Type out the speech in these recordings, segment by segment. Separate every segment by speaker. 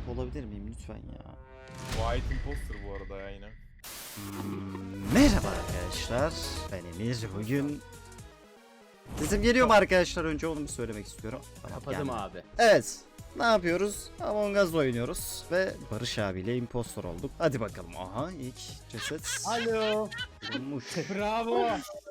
Speaker 1: olabilir miyim lütfen ya?
Speaker 2: White Imposter bu arada ya yine.
Speaker 1: Merhaba arkadaşlar. Ben Emir. Bugün sesim geliyor mu arkadaşlar? Önce onu bir söylemek istiyorum. Tamam,
Speaker 3: Kapadım
Speaker 1: geldi.
Speaker 3: abi.
Speaker 1: Evet. Ne yapıyoruz? Among Us oynuyoruz ve Barış abiyle impostor olduk. Hadi bakalım. Aha ilk ceset
Speaker 3: Alo.
Speaker 1: bulunmuş.
Speaker 3: Bravo.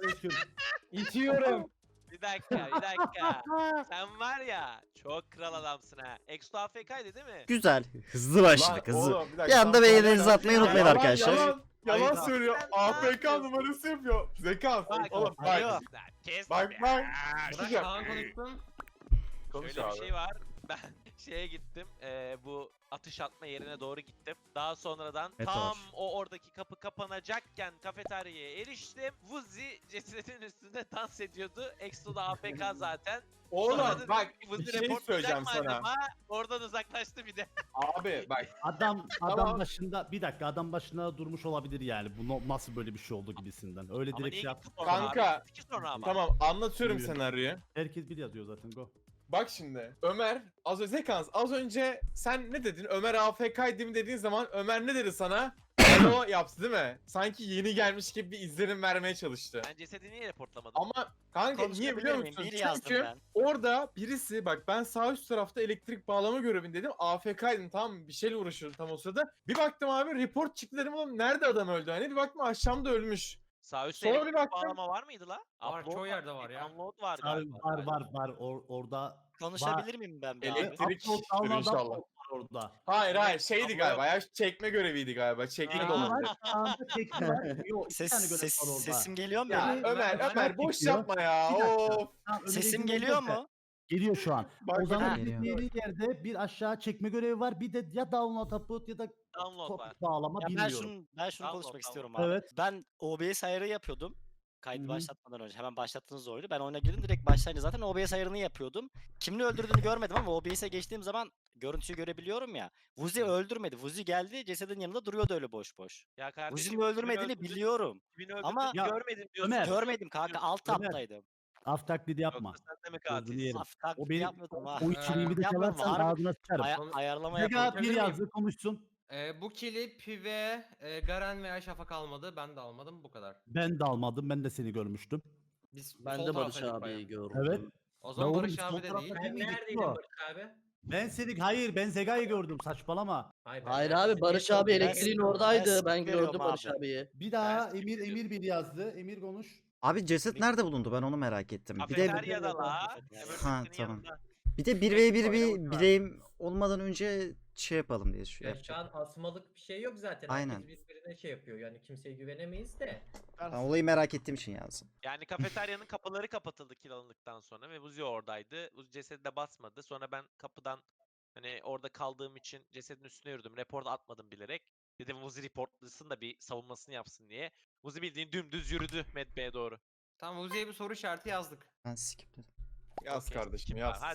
Speaker 3: İtiyorum.
Speaker 4: Bir dakika. Sen var ya çok kral adamsın ha. Exo AFK'ydı değil mi?
Speaker 1: Güzel. Hızlı başladık.
Speaker 2: Lan
Speaker 1: Hızlı.
Speaker 2: oğlum,
Speaker 1: Bir anda beğenilerinizi atmayı
Speaker 4: ya.
Speaker 1: unutmayın
Speaker 2: Yalan,
Speaker 1: arkadaşlar.
Speaker 2: Yalan
Speaker 4: Hayda.
Speaker 2: söylüyor.
Speaker 4: Sen ne
Speaker 2: AFK
Speaker 4: yapıyorsun?
Speaker 2: numarası yapıyor. Zekans.
Speaker 4: Bak,
Speaker 2: Oğlum
Speaker 4: alo.
Speaker 2: bak.
Speaker 4: Kes
Speaker 2: Bak
Speaker 4: ya.
Speaker 2: bak.
Speaker 4: Bırak
Speaker 2: Güzel.
Speaker 4: Kaan konuşsun.
Speaker 2: Konuş
Speaker 4: Şöyle bir
Speaker 2: abi.
Speaker 4: şey var. Ben şeye gittim. Bu atış atma yerine doğru gittim. Daha sonradan
Speaker 1: Meteor.
Speaker 4: tam o oradaki kapı kapanacakken kafeteryaya eriştim. Vuzi cesedin üstünde dans ediyordu. Exo da AFK zaten. Sonra
Speaker 2: Oğlum
Speaker 4: dedim
Speaker 2: bak
Speaker 4: ki, Vuzi
Speaker 2: bir şey
Speaker 4: reportlayacak
Speaker 2: söyleyeceğim
Speaker 4: mı
Speaker 2: sana.
Speaker 4: acaba? Oradan uzaklaştı bir de.
Speaker 2: Abi bak.
Speaker 3: Adam
Speaker 2: Tamam.
Speaker 3: başında bir dakika adam başına durmuş olabilir yani. Bu nasıl böyle bir şey oldu gibisinden. Öyle
Speaker 4: Ama
Speaker 3: direkt
Speaker 4: niye
Speaker 3: şey yap.
Speaker 4: gitti sonra
Speaker 2: Kanka,
Speaker 4: abi? Gitti sonra ama.
Speaker 2: Tamam anlatıyorum
Speaker 3: Buyurun.
Speaker 2: senaryoyu.
Speaker 3: Herkes bir yazıyor zaten go.
Speaker 2: Bak şimdi Ömer Zekans az önce sen ne dedin? Ömer AFK'ydı mı dediğin zaman Ömer ne dedi sana? Alo yaptı değil mi? Sanki yeni gelmiş gibi bir izlenim vermeye çalıştı.
Speaker 4: Ben cesedi niye reportlamadım?
Speaker 2: Ama kanka niye biliyor musun?
Speaker 5: Bir yazdım
Speaker 2: Çünkü
Speaker 5: ben.
Speaker 2: orada birisi bak ben sağ üst tarafta elektrik bağlama görevindeydim. AFK'ydım tamam mı? Bir şeyle uğraşıyordum tam o sırada. Bir baktım abi report çıktı dedim oğlum nerede adam öldü? Hani bir baktım aşağımda ölmüş.
Speaker 4: Sağ üstte
Speaker 2: Sonra bir
Speaker 4: elektrik
Speaker 2: baktım.
Speaker 4: bağlama var mıydı la?
Speaker 6: Var,
Speaker 4: Upload
Speaker 6: çoğu yerde var ya.
Speaker 4: Download var
Speaker 3: Var
Speaker 4: galiba.
Speaker 3: var. Orada
Speaker 5: Konuşabilir miyim ben bir abi?
Speaker 2: Elektrik
Speaker 3: upload download
Speaker 2: inşallah.
Speaker 3: upload var orada.
Speaker 2: Hayır şeydi
Speaker 4: Upload.
Speaker 2: galiba ya çekme göreviydi galiba. Çekme
Speaker 4: Ha.
Speaker 2: dolandı.
Speaker 3: Sağında çekme var. Yok, iki tane görev var orada.
Speaker 5: Sesim geliyor mu?
Speaker 2: Ya
Speaker 5: benim?
Speaker 2: Ömer boş
Speaker 3: çekiyor.
Speaker 2: yapma ya.
Speaker 3: Bir dakika.
Speaker 2: Of.
Speaker 3: Tamam, Ömer'e
Speaker 5: Sesim
Speaker 3: izin
Speaker 5: geliyor
Speaker 3: verirse.
Speaker 5: mu?
Speaker 3: Geliyor şu an.
Speaker 2: Bak,
Speaker 3: O zaman
Speaker 1: bak.
Speaker 3: gittiği yerde bir aşağı çekme görevi var. Bir de ya download upload ya da
Speaker 4: Download var.
Speaker 3: bağlama
Speaker 5: Ya ben
Speaker 3: bilmiyorum.
Speaker 5: şunu
Speaker 4: Tamam,
Speaker 5: konuşmak
Speaker 4: tamam.
Speaker 5: istiyorum abi.
Speaker 3: Evet.
Speaker 5: Ben OBS ayarı yapıyordum.
Speaker 3: Hı
Speaker 5: Kaydı
Speaker 3: hı.
Speaker 5: başlatmadan önce. Hemen başlattığınız oyunu. Ben oyuna girdim direkt başlayınca zaten OBS ayarını yapıyordum. Kimin öldürdüğünü görmedim ama OBS'e geçtiğim zaman görüntüyü görebiliyorum ya. Vuzi öldürmedi. Vuzi geldi cesedin yanında duruyordu öyle boş boş.
Speaker 4: Ya kardeşim.
Speaker 5: Vuzi'nin öldürmediğini biliyorum. Ama
Speaker 3: Ya,
Speaker 4: görmedim diyorsun.
Speaker 3: Ömer,
Speaker 5: görmedim kanka alt
Speaker 3: Ömer,
Speaker 5: taptaydım.
Speaker 3: Af taklidi yapma.
Speaker 4: Yoksa sen de mi
Speaker 3: Gözünü
Speaker 4: katilsin?
Speaker 3: yerim.
Speaker 5: Af taklidi
Speaker 3: O benim
Speaker 5: yapmıyordum ha.
Speaker 3: o içeriğimi de
Speaker 5: Yapmadım,
Speaker 3: çalarsan
Speaker 5: harbi.
Speaker 3: ağzına sıçarım.
Speaker 5: Ayarlama
Speaker 3: Mega
Speaker 5: yapıyordum.
Speaker 3: bir
Speaker 6: Yapabilir miyim?
Speaker 3: yazdı konuşsun.
Speaker 6: Bu kili Pive, Garen veya Şafak almadı. Ben de almadım bu kadar.
Speaker 3: Ben de almadım. Ben de seni görmüştüm.
Speaker 6: Biz
Speaker 7: Ben
Speaker 6: sol
Speaker 7: de Barış
Speaker 6: taraftaydık bayağı.
Speaker 7: abiyi gördüm.
Speaker 3: Evet.
Speaker 6: O zaman
Speaker 3: oğlum,
Speaker 6: Barış
Speaker 3: sol
Speaker 6: abi de
Speaker 3: tarafta
Speaker 6: değil.
Speaker 3: değil
Speaker 8: Ben
Speaker 3: miydik
Speaker 8: neredeydim
Speaker 3: bu?
Speaker 8: Barış abi?
Speaker 3: Ben seni hayır ben Zega'yı gördüm saçmalama.
Speaker 8: Hayır,
Speaker 7: Hayır
Speaker 8: neredeydim?
Speaker 7: abi Barış abi
Speaker 8: Ben-
Speaker 7: elektriğin
Speaker 5: ben
Speaker 7: oradaydı. Ben
Speaker 5: görüyorum
Speaker 7: gördüm Barış
Speaker 5: abi.
Speaker 7: abiyi.
Speaker 3: Bir daha
Speaker 4: Ben
Speaker 3: Emir
Speaker 4: siktir.
Speaker 3: Emir bir yazdı. Emir konuş.
Speaker 1: Abi ceset nerede bulundu? Ben onu merak ettim. Bir de
Speaker 4: Kafeteryada la.
Speaker 5: Ha,
Speaker 4: Emergency'nin
Speaker 1: tamam.
Speaker 4: yanında.
Speaker 1: bir de 1v1 bir
Speaker 4: Oynamak var.
Speaker 1: bileyim olmadan önce şey yapalım diye düşünüyorum.
Speaker 8: Ya şu an asmalık bir şey yok zaten.
Speaker 1: Aynen.
Speaker 8: Herkes birbirine şey yapıyor. Yani kimseye güvenemeyiz de.
Speaker 1: Ben olayı merak ettiğim için yazdım.
Speaker 4: Yani kafeteryanın kapıları kapatıldı kill alındıktan sonra ve Vuzi oradaydı. Vuzi cesedi de basmadı. Sonra ben kapıdan hani orada kaldığım için cesedin üstüne yürüdüm. Report atmadım bilerek. Dedim Vuzi reportlasın da bir savunmasını yapsın diye. Vuzi bildiğin dümdüz yürüdü Medbay'e doğru.
Speaker 6: Tamam Uzi'ye bir soru işareti yazdık.
Speaker 1: Ben skipledim.
Speaker 2: Yaz
Speaker 4: Okey,
Speaker 2: kardeşim
Speaker 4: kim
Speaker 2: yaz.
Speaker 4: var?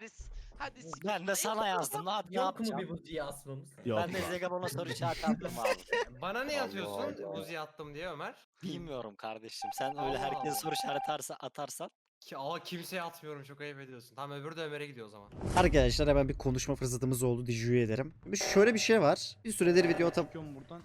Speaker 4: Hadi.
Speaker 5: Ben de sana yazdım. Hadi ne
Speaker 8: Yok mu
Speaker 5: yapacağım?
Speaker 8: bir buziyi asmamız?
Speaker 3: Yok.
Speaker 5: Ben de Zegabon'a soru işareti attım abi.
Speaker 6: Bana ne
Speaker 2: Allah
Speaker 6: yazıyorsun
Speaker 2: Allah.
Speaker 6: Uzi'ye attım diye Ömer?
Speaker 5: Bilmiyorum kardeşim. Sen öyle
Speaker 6: Allah
Speaker 5: herkese
Speaker 6: Allah.
Speaker 5: soru işareti atarsan.
Speaker 6: Kimseye atmıyorum çok ayıp ediyorsun. Tamam öbürü de Ömer'e gidiyor o zaman.
Speaker 1: Arkadaşlar hemen bir konuşma fırsatımız oldu. Diju'yu ederim. Şöyle bir şey var. Bir süredir video
Speaker 7: buradan.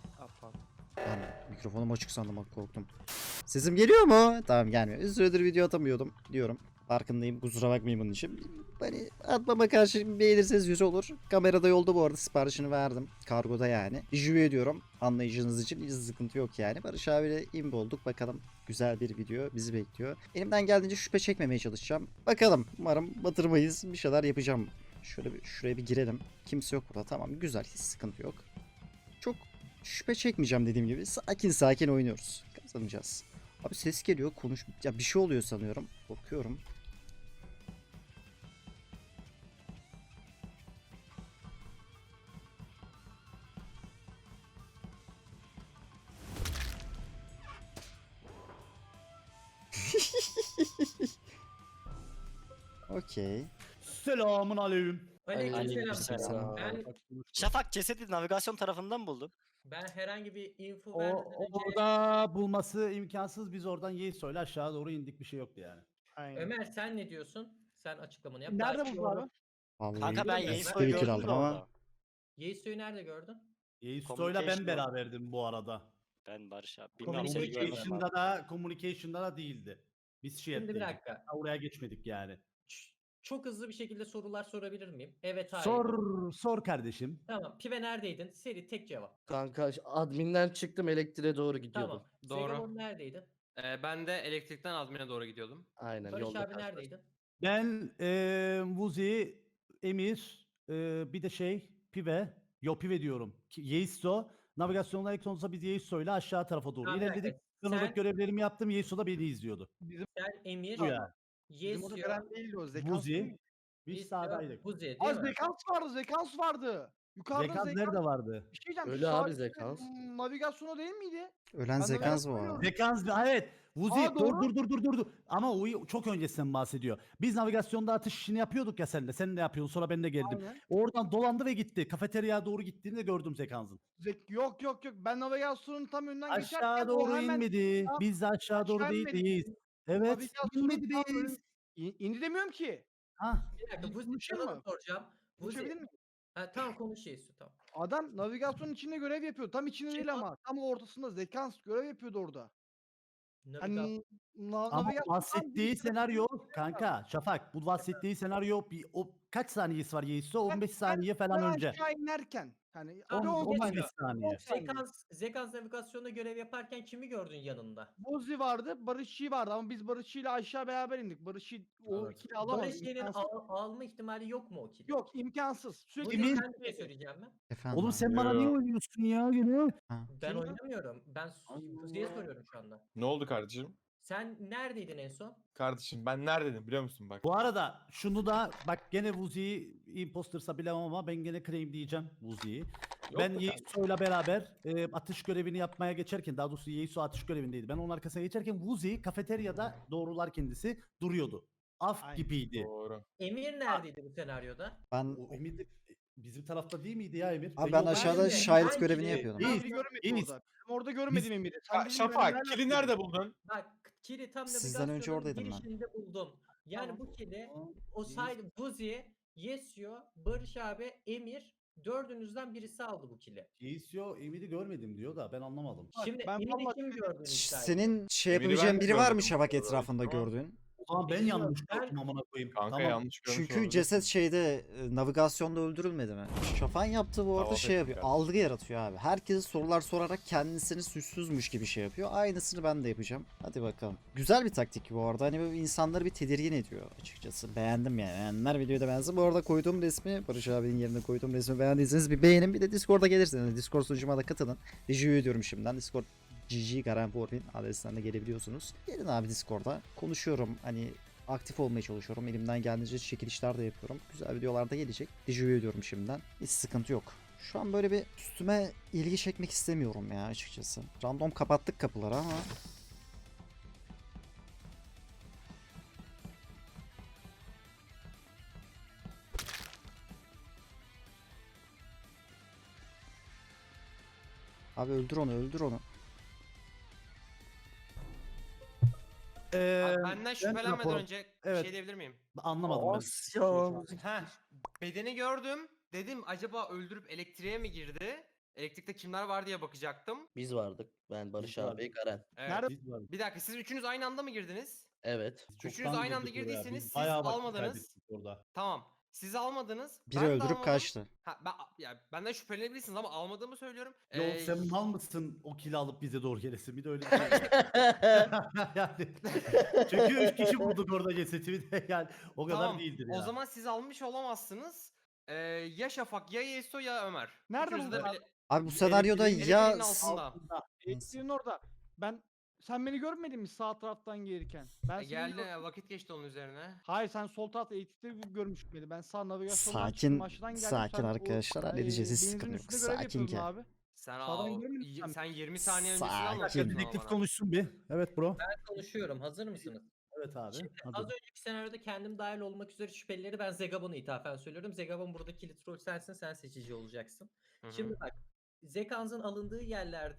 Speaker 1: Ben mikrofonum açık sandım bak korktum. Sesim geliyor mu? Tamam gelmiyor. Bir süredir video atamıyordum diyorum. Farkındayım kusura bakmayın bunun için. Hani atmama karşı beğenirseniz güzel olur. Kamerada yolda bu arada siparişini verdim. Kargoda yani. Diju'yu ediyorum. Anlayışınız için hiç sıkıntı yok yani. Barış abiyle imbo olduk. Bakalım güzel bir video bizi bekliyor. Elimden geldiğince şüphe çekmemeye çalışacağım. Bakalım. Umarım batırmayız. Bir şeyler yapacağım. Şöyle bir şuraya bir girelim. Kimse yok burada. Tamam güzel. Hiç sıkıntı yok. Çok şüphe çekmeyeceğim dediğim gibi. Sakin sakin oynuyoruz. Kazanacağız. Abi ses geliyor. Konuş. Ya bir şey oluyor sanıyorum. Korkuyorum. Okey.
Speaker 3: Selamun aleyküm.
Speaker 8: Aleykümselam.
Speaker 5: Aleykümselam.
Speaker 8: Ben,
Speaker 5: Şafak cesedi navigasyon tarafından buldum.
Speaker 8: ben herhangi bir info
Speaker 3: O
Speaker 8: vermeden önce
Speaker 3: orada bulması imkansız. Biz oradan Yeğsoy'la aşağı doğru indik bir şey yoktu yani.
Speaker 8: Ömer sen ne diyorsun? Sen açıklamanı yap.
Speaker 3: Nerede
Speaker 8: Belki
Speaker 3: buldun abi?
Speaker 8: doğru.
Speaker 1: Vallahi
Speaker 5: Kanka ben
Speaker 8: Bilmiyorum.
Speaker 5: Yeğsoy'u
Speaker 1: fikir
Speaker 5: gördüm
Speaker 1: aldım
Speaker 5: de
Speaker 1: ama
Speaker 5: orada.
Speaker 8: Yeiso'yu nerede gördün?
Speaker 3: Yeisto'yla ben
Speaker 5: Communication
Speaker 3: beraberdim bu arada.
Speaker 5: Ben Barış abi. Bilmiyorum seni
Speaker 8: Communication
Speaker 5: görmedim abi.
Speaker 3: Communication'da da değildi. Biz
Speaker 8: Şimdi bir dakika.
Speaker 3: Oraya geçmedik yani.
Speaker 8: Çok hızlı bir şekilde sorular sorabilir miyim? Evet, hayır.
Speaker 3: Sor kardeşim.
Speaker 8: Tamam. Pive neredeydin? Seri tek cevap.
Speaker 7: Kanka adminden çıktım elektriğe doğru gidiyordum.
Speaker 8: Tamam.
Speaker 6: Doğru.
Speaker 8: Zegabon neredeydin?
Speaker 6: Ben de elektrikten admine doğru gidiyordum.
Speaker 7: Aynen
Speaker 8: Barış
Speaker 7: yolda
Speaker 8: abi
Speaker 7: karşılaştık.
Speaker 8: neredeydin?
Speaker 3: Ben Vuzi, Emir, bir de Pive. Pive diyorum. Yeisto. Navigasyonla elektronuza biz Yeisto'yla aşağı tarafa doğru
Speaker 8: Tamam, bir dakika.
Speaker 3: ilerledik. Kırmızı
Speaker 8: Sen-
Speaker 3: görevlerimi yaptım. Yeisto da beni izliyordu.
Speaker 8: Sen Emir,
Speaker 3: Bu yani.
Speaker 9: Bizim orada
Speaker 8: Yesio,
Speaker 9: Garen değildi o. Zekans
Speaker 3: Vuzi.
Speaker 9: değil.
Speaker 3: Biz
Speaker 8: Yesio,
Speaker 3: sağdaydık.
Speaker 8: Buzi değil
Speaker 9: Az
Speaker 8: mi?
Speaker 9: Zekans vardı. Zekans vardı. Yukarıda
Speaker 3: Zekans
Speaker 9: Zekans.
Speaker 3: nerede vardı?
Speaker 9: Bir şey diyeceğim.
Speaker 7: Öyle
Speaker 9: sağ
Speaker 7: abi
Speaker 9: üstte,
Speaker 7: Zekans.
Speaker 9: Navigasyonu değil miydi?
Speaker 1: Ölen
Speaker 9: Ben
Speaker 1: Zekans bu
Speaker 9: navigasyonu
Speaker 1: arada.
Speaker 3: Zekans evet. Vuzi
Speaker 9: Aa, doğru.
Speaker 3: dur. Ama o çok öncesinden bahsediyor. Biz navigasyonda atış işini yapıyorduk ya seninle. Sen de yapıyordun sonra ben de geldim.
Speaker 9: Aynen.
Speaker 3: Oradan dolandı ve gitti. Kafeteryaya doğru gittiğini de gördüm Zekans'ın.
Speaker 9: Yok. Ben navigasyonun tam önünden geçerken
Speaker 3: Aşağı doğru
Speaker 9: o hemen
Speaker 3: inmedi.
Speaker 9: tam
Speaker 3: Biz de aşağı doğru
Speaker 9: aşağı inmedi.
Speaker 3: değiliz. Evet.
Speaker 9: navigasyonun
Speaker 3: İnmedi
Speaker 9: tam
Speaker 3: biz.
Speaker 9: indi demiyorum ki.
Speaker 3: Ha.
Speaker 8: Bir dakika, Buzi
Speaker 9: Konuşayım
Speaker 8: sana
Speaker 9: mı?
Speaker 8: soracağım.
Speaker 9: Konuşabilir
Speaker 8: Buzi.
Speaker 9: miyim?
Speaker 8: Ha, tamam konuş Yesio, tamam.
Speaker 9: Adam navigasyonun içinde görev yapıyor. Tam içinde
Speaker 8: Şey
Speaker 9: değil ama. Tam ortasında Zekans görev yapıyordu orada.
Speaker 8: Navigasyon.
Speaker 9: Hani
Speaker 3: Ama
Speaker 9: navigasyon
Speaker 3: bahsettiği senaryo kanka Şafak bu bahsettiği senaryo o kaç saniyesi var Yeiso? 15 saniye falan
Speaker 9: ben
Speaker 3: önce.
Speaker 9: aşağı inerken. Hani
Speaker 3: 15 saniye.
Speaker 8: Zekans navigasyonda görev yaparken kimi gördün yanında?
Speaker 9: Bozi vardı, Barışçı vardı ama biz Barışçı'yla aşağı beraber indik. Barışçı o
Speaker 3: Evet.
Speaker 9: ikili alamadı.
Speaker 8: Barış Y'nin
Speaker 9: imkansız.
Speaker 8: alma ihtimali yok mu o kili?
Speaker 9: Yok imkansız. Sürekli
Speaker 8: Buzi,
Speaker 3: Emin-
Speaker 8: sen bir şey söyleyeceğim mi?
Speaker 1: Efendim
Speaker 3: Oğlum
Speaker 1: abi.
Speaker 3: sen bana niye oynuyorsun ya gene?
Speaker 8: Ben
Speaker 9: Kim?
Speaker 8: oynamıyorum. Ben Buzi'ye soruyorum şu anda.
Speaker 2: Ne oldu kardeşim?
Speaker 8: Sen neredeydin en son?
Speaker 2: Kardeşim ben neredeydim biliyor musun bak.
Speaker 3: Bu arada şunu da bak gene Vuzi'yi impostersa bilemem ama ben gene claim diyeceğim Vuzi'yi. Ben
Speaker 2: mu
Speaker 3: Yeiso'yla beraber atış görevini yapmaya geçerken daha doğrusu Yeiso atış görevindeydi. Ben onun arkasına geçerken Vuzi kafeteryada doğrular kendisi duruyordu. Af
Speaker 9: Aynen.
Speaker 3: gibiydi.
Speaker 2: Doğru.
Speaker 8: Emir neredeydi bu senaryoda?
Speaker 1: Ben
Speaker 3: O Emir de bizim tarafta değil miydi ya Emir?
Speaker 1: abi ben
Speaker 3: yolda-
Speaker 1: aşağıda
Speaker 8: Ben-
Speaker 1: şahit
Speaker 8: ben
Speaker 1: görevini
Speaker 8: ki-
Speaker 1: yapıyordum.
Speaker 3: İyi.
Speaker 9: Emir'i görmedim
Speaker 3: İyiyiz.
Speaker 9: orada. Ben orada görmedim Emir'i. Sen dedin, ben
Speaker 2: Şafak
Speaker 9: neler
Speaker 2: kili
Speaker 9: yapıyorum?
Speaker 2: nerede buldun?
Speaker 8: Bak kili tam
Speaker 1: Sizden önce
Speaker 8: navigasyonun
Speaker 1: oradaydım ben.
Speaker 8: girişinde buldum. Yani
Speaker 9: Tamam.
Speaker 8: bu kili o sayede Buzi, Yesio, Barış abi, Emir dördünüzden birisi aldı bu kili.
Speaker 3: Yeiso Emir'i görmedim diyor da ben anlamadım.
Speaker 9: Bak,
Speaker 8: Şimdi
Speaker 9: ben
Speaker 8: Emir'i
Speaker 9: vallahi
Speaker 8: kim gördün iddia
Speaker 1: Senin şey
Speaker 2: Emir'i ben
Speaker 1: yapabileceğin
Speaker 2: de
Speaker 1: biri var mı
Speaker 2: gördüm.
Speaker 1: Şafak etrafında
Speaker 2: Ama-
Speaker 1: gördüğün?
Speaker 3: O zaman ben
Speaker 8: Bilmiyorum,
Speaker 3: yanlış
Speaker 8: ben-
Speaker 3: gördüm amına koyayım.
Speaker 2: Kanka
Speaker 3: Tamam.
Speaker 2: yanlış görmüş
Speaker 1: Çünkü
Speaker 2: olabilir.
Speaker 1: ceset navigasyonda öldürülmedi mi? Şafak'ın yaptığı bu arada
Speaker 2: Tamam,
Speaker 1: şey
Speaker 2: peki
Speaker 1: yapıyor.
Speaker 2: kardeşim.
Speaker 1: Algı yaratıyor abi. Herkese sorular sorarak kendisini suçsuzmuş gibi şey yapıyor. Aynısını ben de yapacağım. Hadi bakalım. Güzel bir taktik bu arada. Hani böyle insanları bir tedirgin ediyor açıkçası. Beğendim yani. Beğenenler videoyu da beğensin. Bu arada koyduğum resmi Barış abinin yerine koyduğum resmi beğendiyseniz bir beğenin. Bir de Discord'a gelirseniz. Discord sunucuma da katılın. Rica ediyorum şimdiden. Discord GG Garen Porvin adresinden de gelebiliyorsunuz. Gelin abi Discord'a. Konuşuyorum. Hani aktif olmaya çalışıyorum. Elimden geldiğince çekilişler de yapıyorum. Güzel videolar da gelecek. Rica ediyorum şimdiden. Hiç sıkıntı yok. Şu an böyle bir üstüme ilgi çekmek istemiyorum ya açıkçası. Random kapattık kapıları ama. Abi öldür onu, öldür onu.
Speaker 6: Abi benden şüphelenmeden
Speaker 3: rapor-
Speaker 6: önce
Speaker 3: Evet.
Speaker 6: bir şey diyebilir miyim?
Speaker 3: Anlamadım ben.
Speaker 6: Heh, bedeni gördüm. Dedim acaba öldürüp elektriğe mi girdi? Elektrikte kimler var diye bakacaktım.
Speaker 7: Biz vardık. Ben Barış
Speaker 3: Biz vardık.
Speaker 7: abi, Garen.
Speaker 6: Evet.
Speaker 9: Nerede?
Speaker 3: Biz varız.
Speaker 6: Bir dakika siz üçünüz aynı anda mı girdiniz?
Speaker 7: Evet.
Speaker 6: Üçünüz
Speaker 3: Çoktan
Speaker 6: aynı anda
Speaker 3: girdik oraya.
Speaker 6: girdiyseniz
Speaker 3: Biz
Speaker 6: siz
Speaker 3: bayağı vakit
Speaker 6: almadınız.
Speaker 3: kaybettik orada.
Speaker 6: Tamam. Siz almadınız.
Speaker 1: Biri
Speaker 6: ben de
Speaker 1: öldürüp
Speaker 6: almadım.
Speaker 1: kaçtı.
Speaker 6: Ha, benden şüphelenebilirsiniz ama almadığımı söylüyorum.
Speaker 3: Yok
Speaker 6: Ee,
Speaker 3: sen mal mısın o kili alıp bize doğru gelesin bir de öyle bir şey. yani, çünkü 3 kişi bulduk orada cesedi bir de yani o kadar
Speaker 6: tamam.
Speaker 3: değildir
Speaker 6: O
Speaker 3: ya.
Speaker 6: zaman siz almış olamazsınız. Ya Şafak ya Yeso ya Ömer.
Speaker 9: Nerede
Speaker 6: Üçünüz de
Speaker 9: buldun
Speaker 6: bile-
Speaker 1: Abi bu senaryoda
Speaker 6: elektriğin
Speaker 1: ya
Speaker 6: altında.
Speaker 9: Elektriğin orada. Sen beni görmedin mi sağ taraftan gelirken? Ben seni
Speaker 6: Geldi
Speaker 9: gördüm.
Speaker 6: vakit geçti onun üzerine.
Speaker 9: Hayır sen sol tarafta elektrikte görmüştün beni. Ben sağ navigasyondan
Speaker 1: Sakin,
Speaker 9: çıktım, aşağıdan geldim.
Speaker 1: sakin
Speaker 9: Sen o,
Speaker 1: arkadaşlar, halledeceğiz, hiç
Speaker 9: benzin
Speaker 1: sıkıntı yok.
Speaker 9: üstünde görev
Speaker 1: Sakin
Speaker 9: yapıyordun
Speaker 1: gel.
Speaker 9: abi.
Speaker 6: Sen
Speaker 9: Sağdan görmedin mi sen?
Speaker 6: sen 20 saniye öncesini
Speaker 1: Sakin.
Speaker 6: anlatıyordun ama
Speaker 3: Dedektif
Speaker 6: bana.
Speaker 3: konuşsun bir. Evet bro.
Speaker 8: Ben konuşuyorum. Hazır mısınız?
Speaker 3: Evet abi.
Speaker 8: Şimdi
Speaker 3: hadi.
Speaker 8: az önceki senaryoda kendim dahil olmak üzere şüphelileri ben Zegabon'a ithafen söylüyorum. Zegabon burada kilit rol sensin, sen seçici olacaksın.
Speaker 6: Hı hı.
Speaker 8: Şimdi bak, Zekans'ın alındığı yerlerde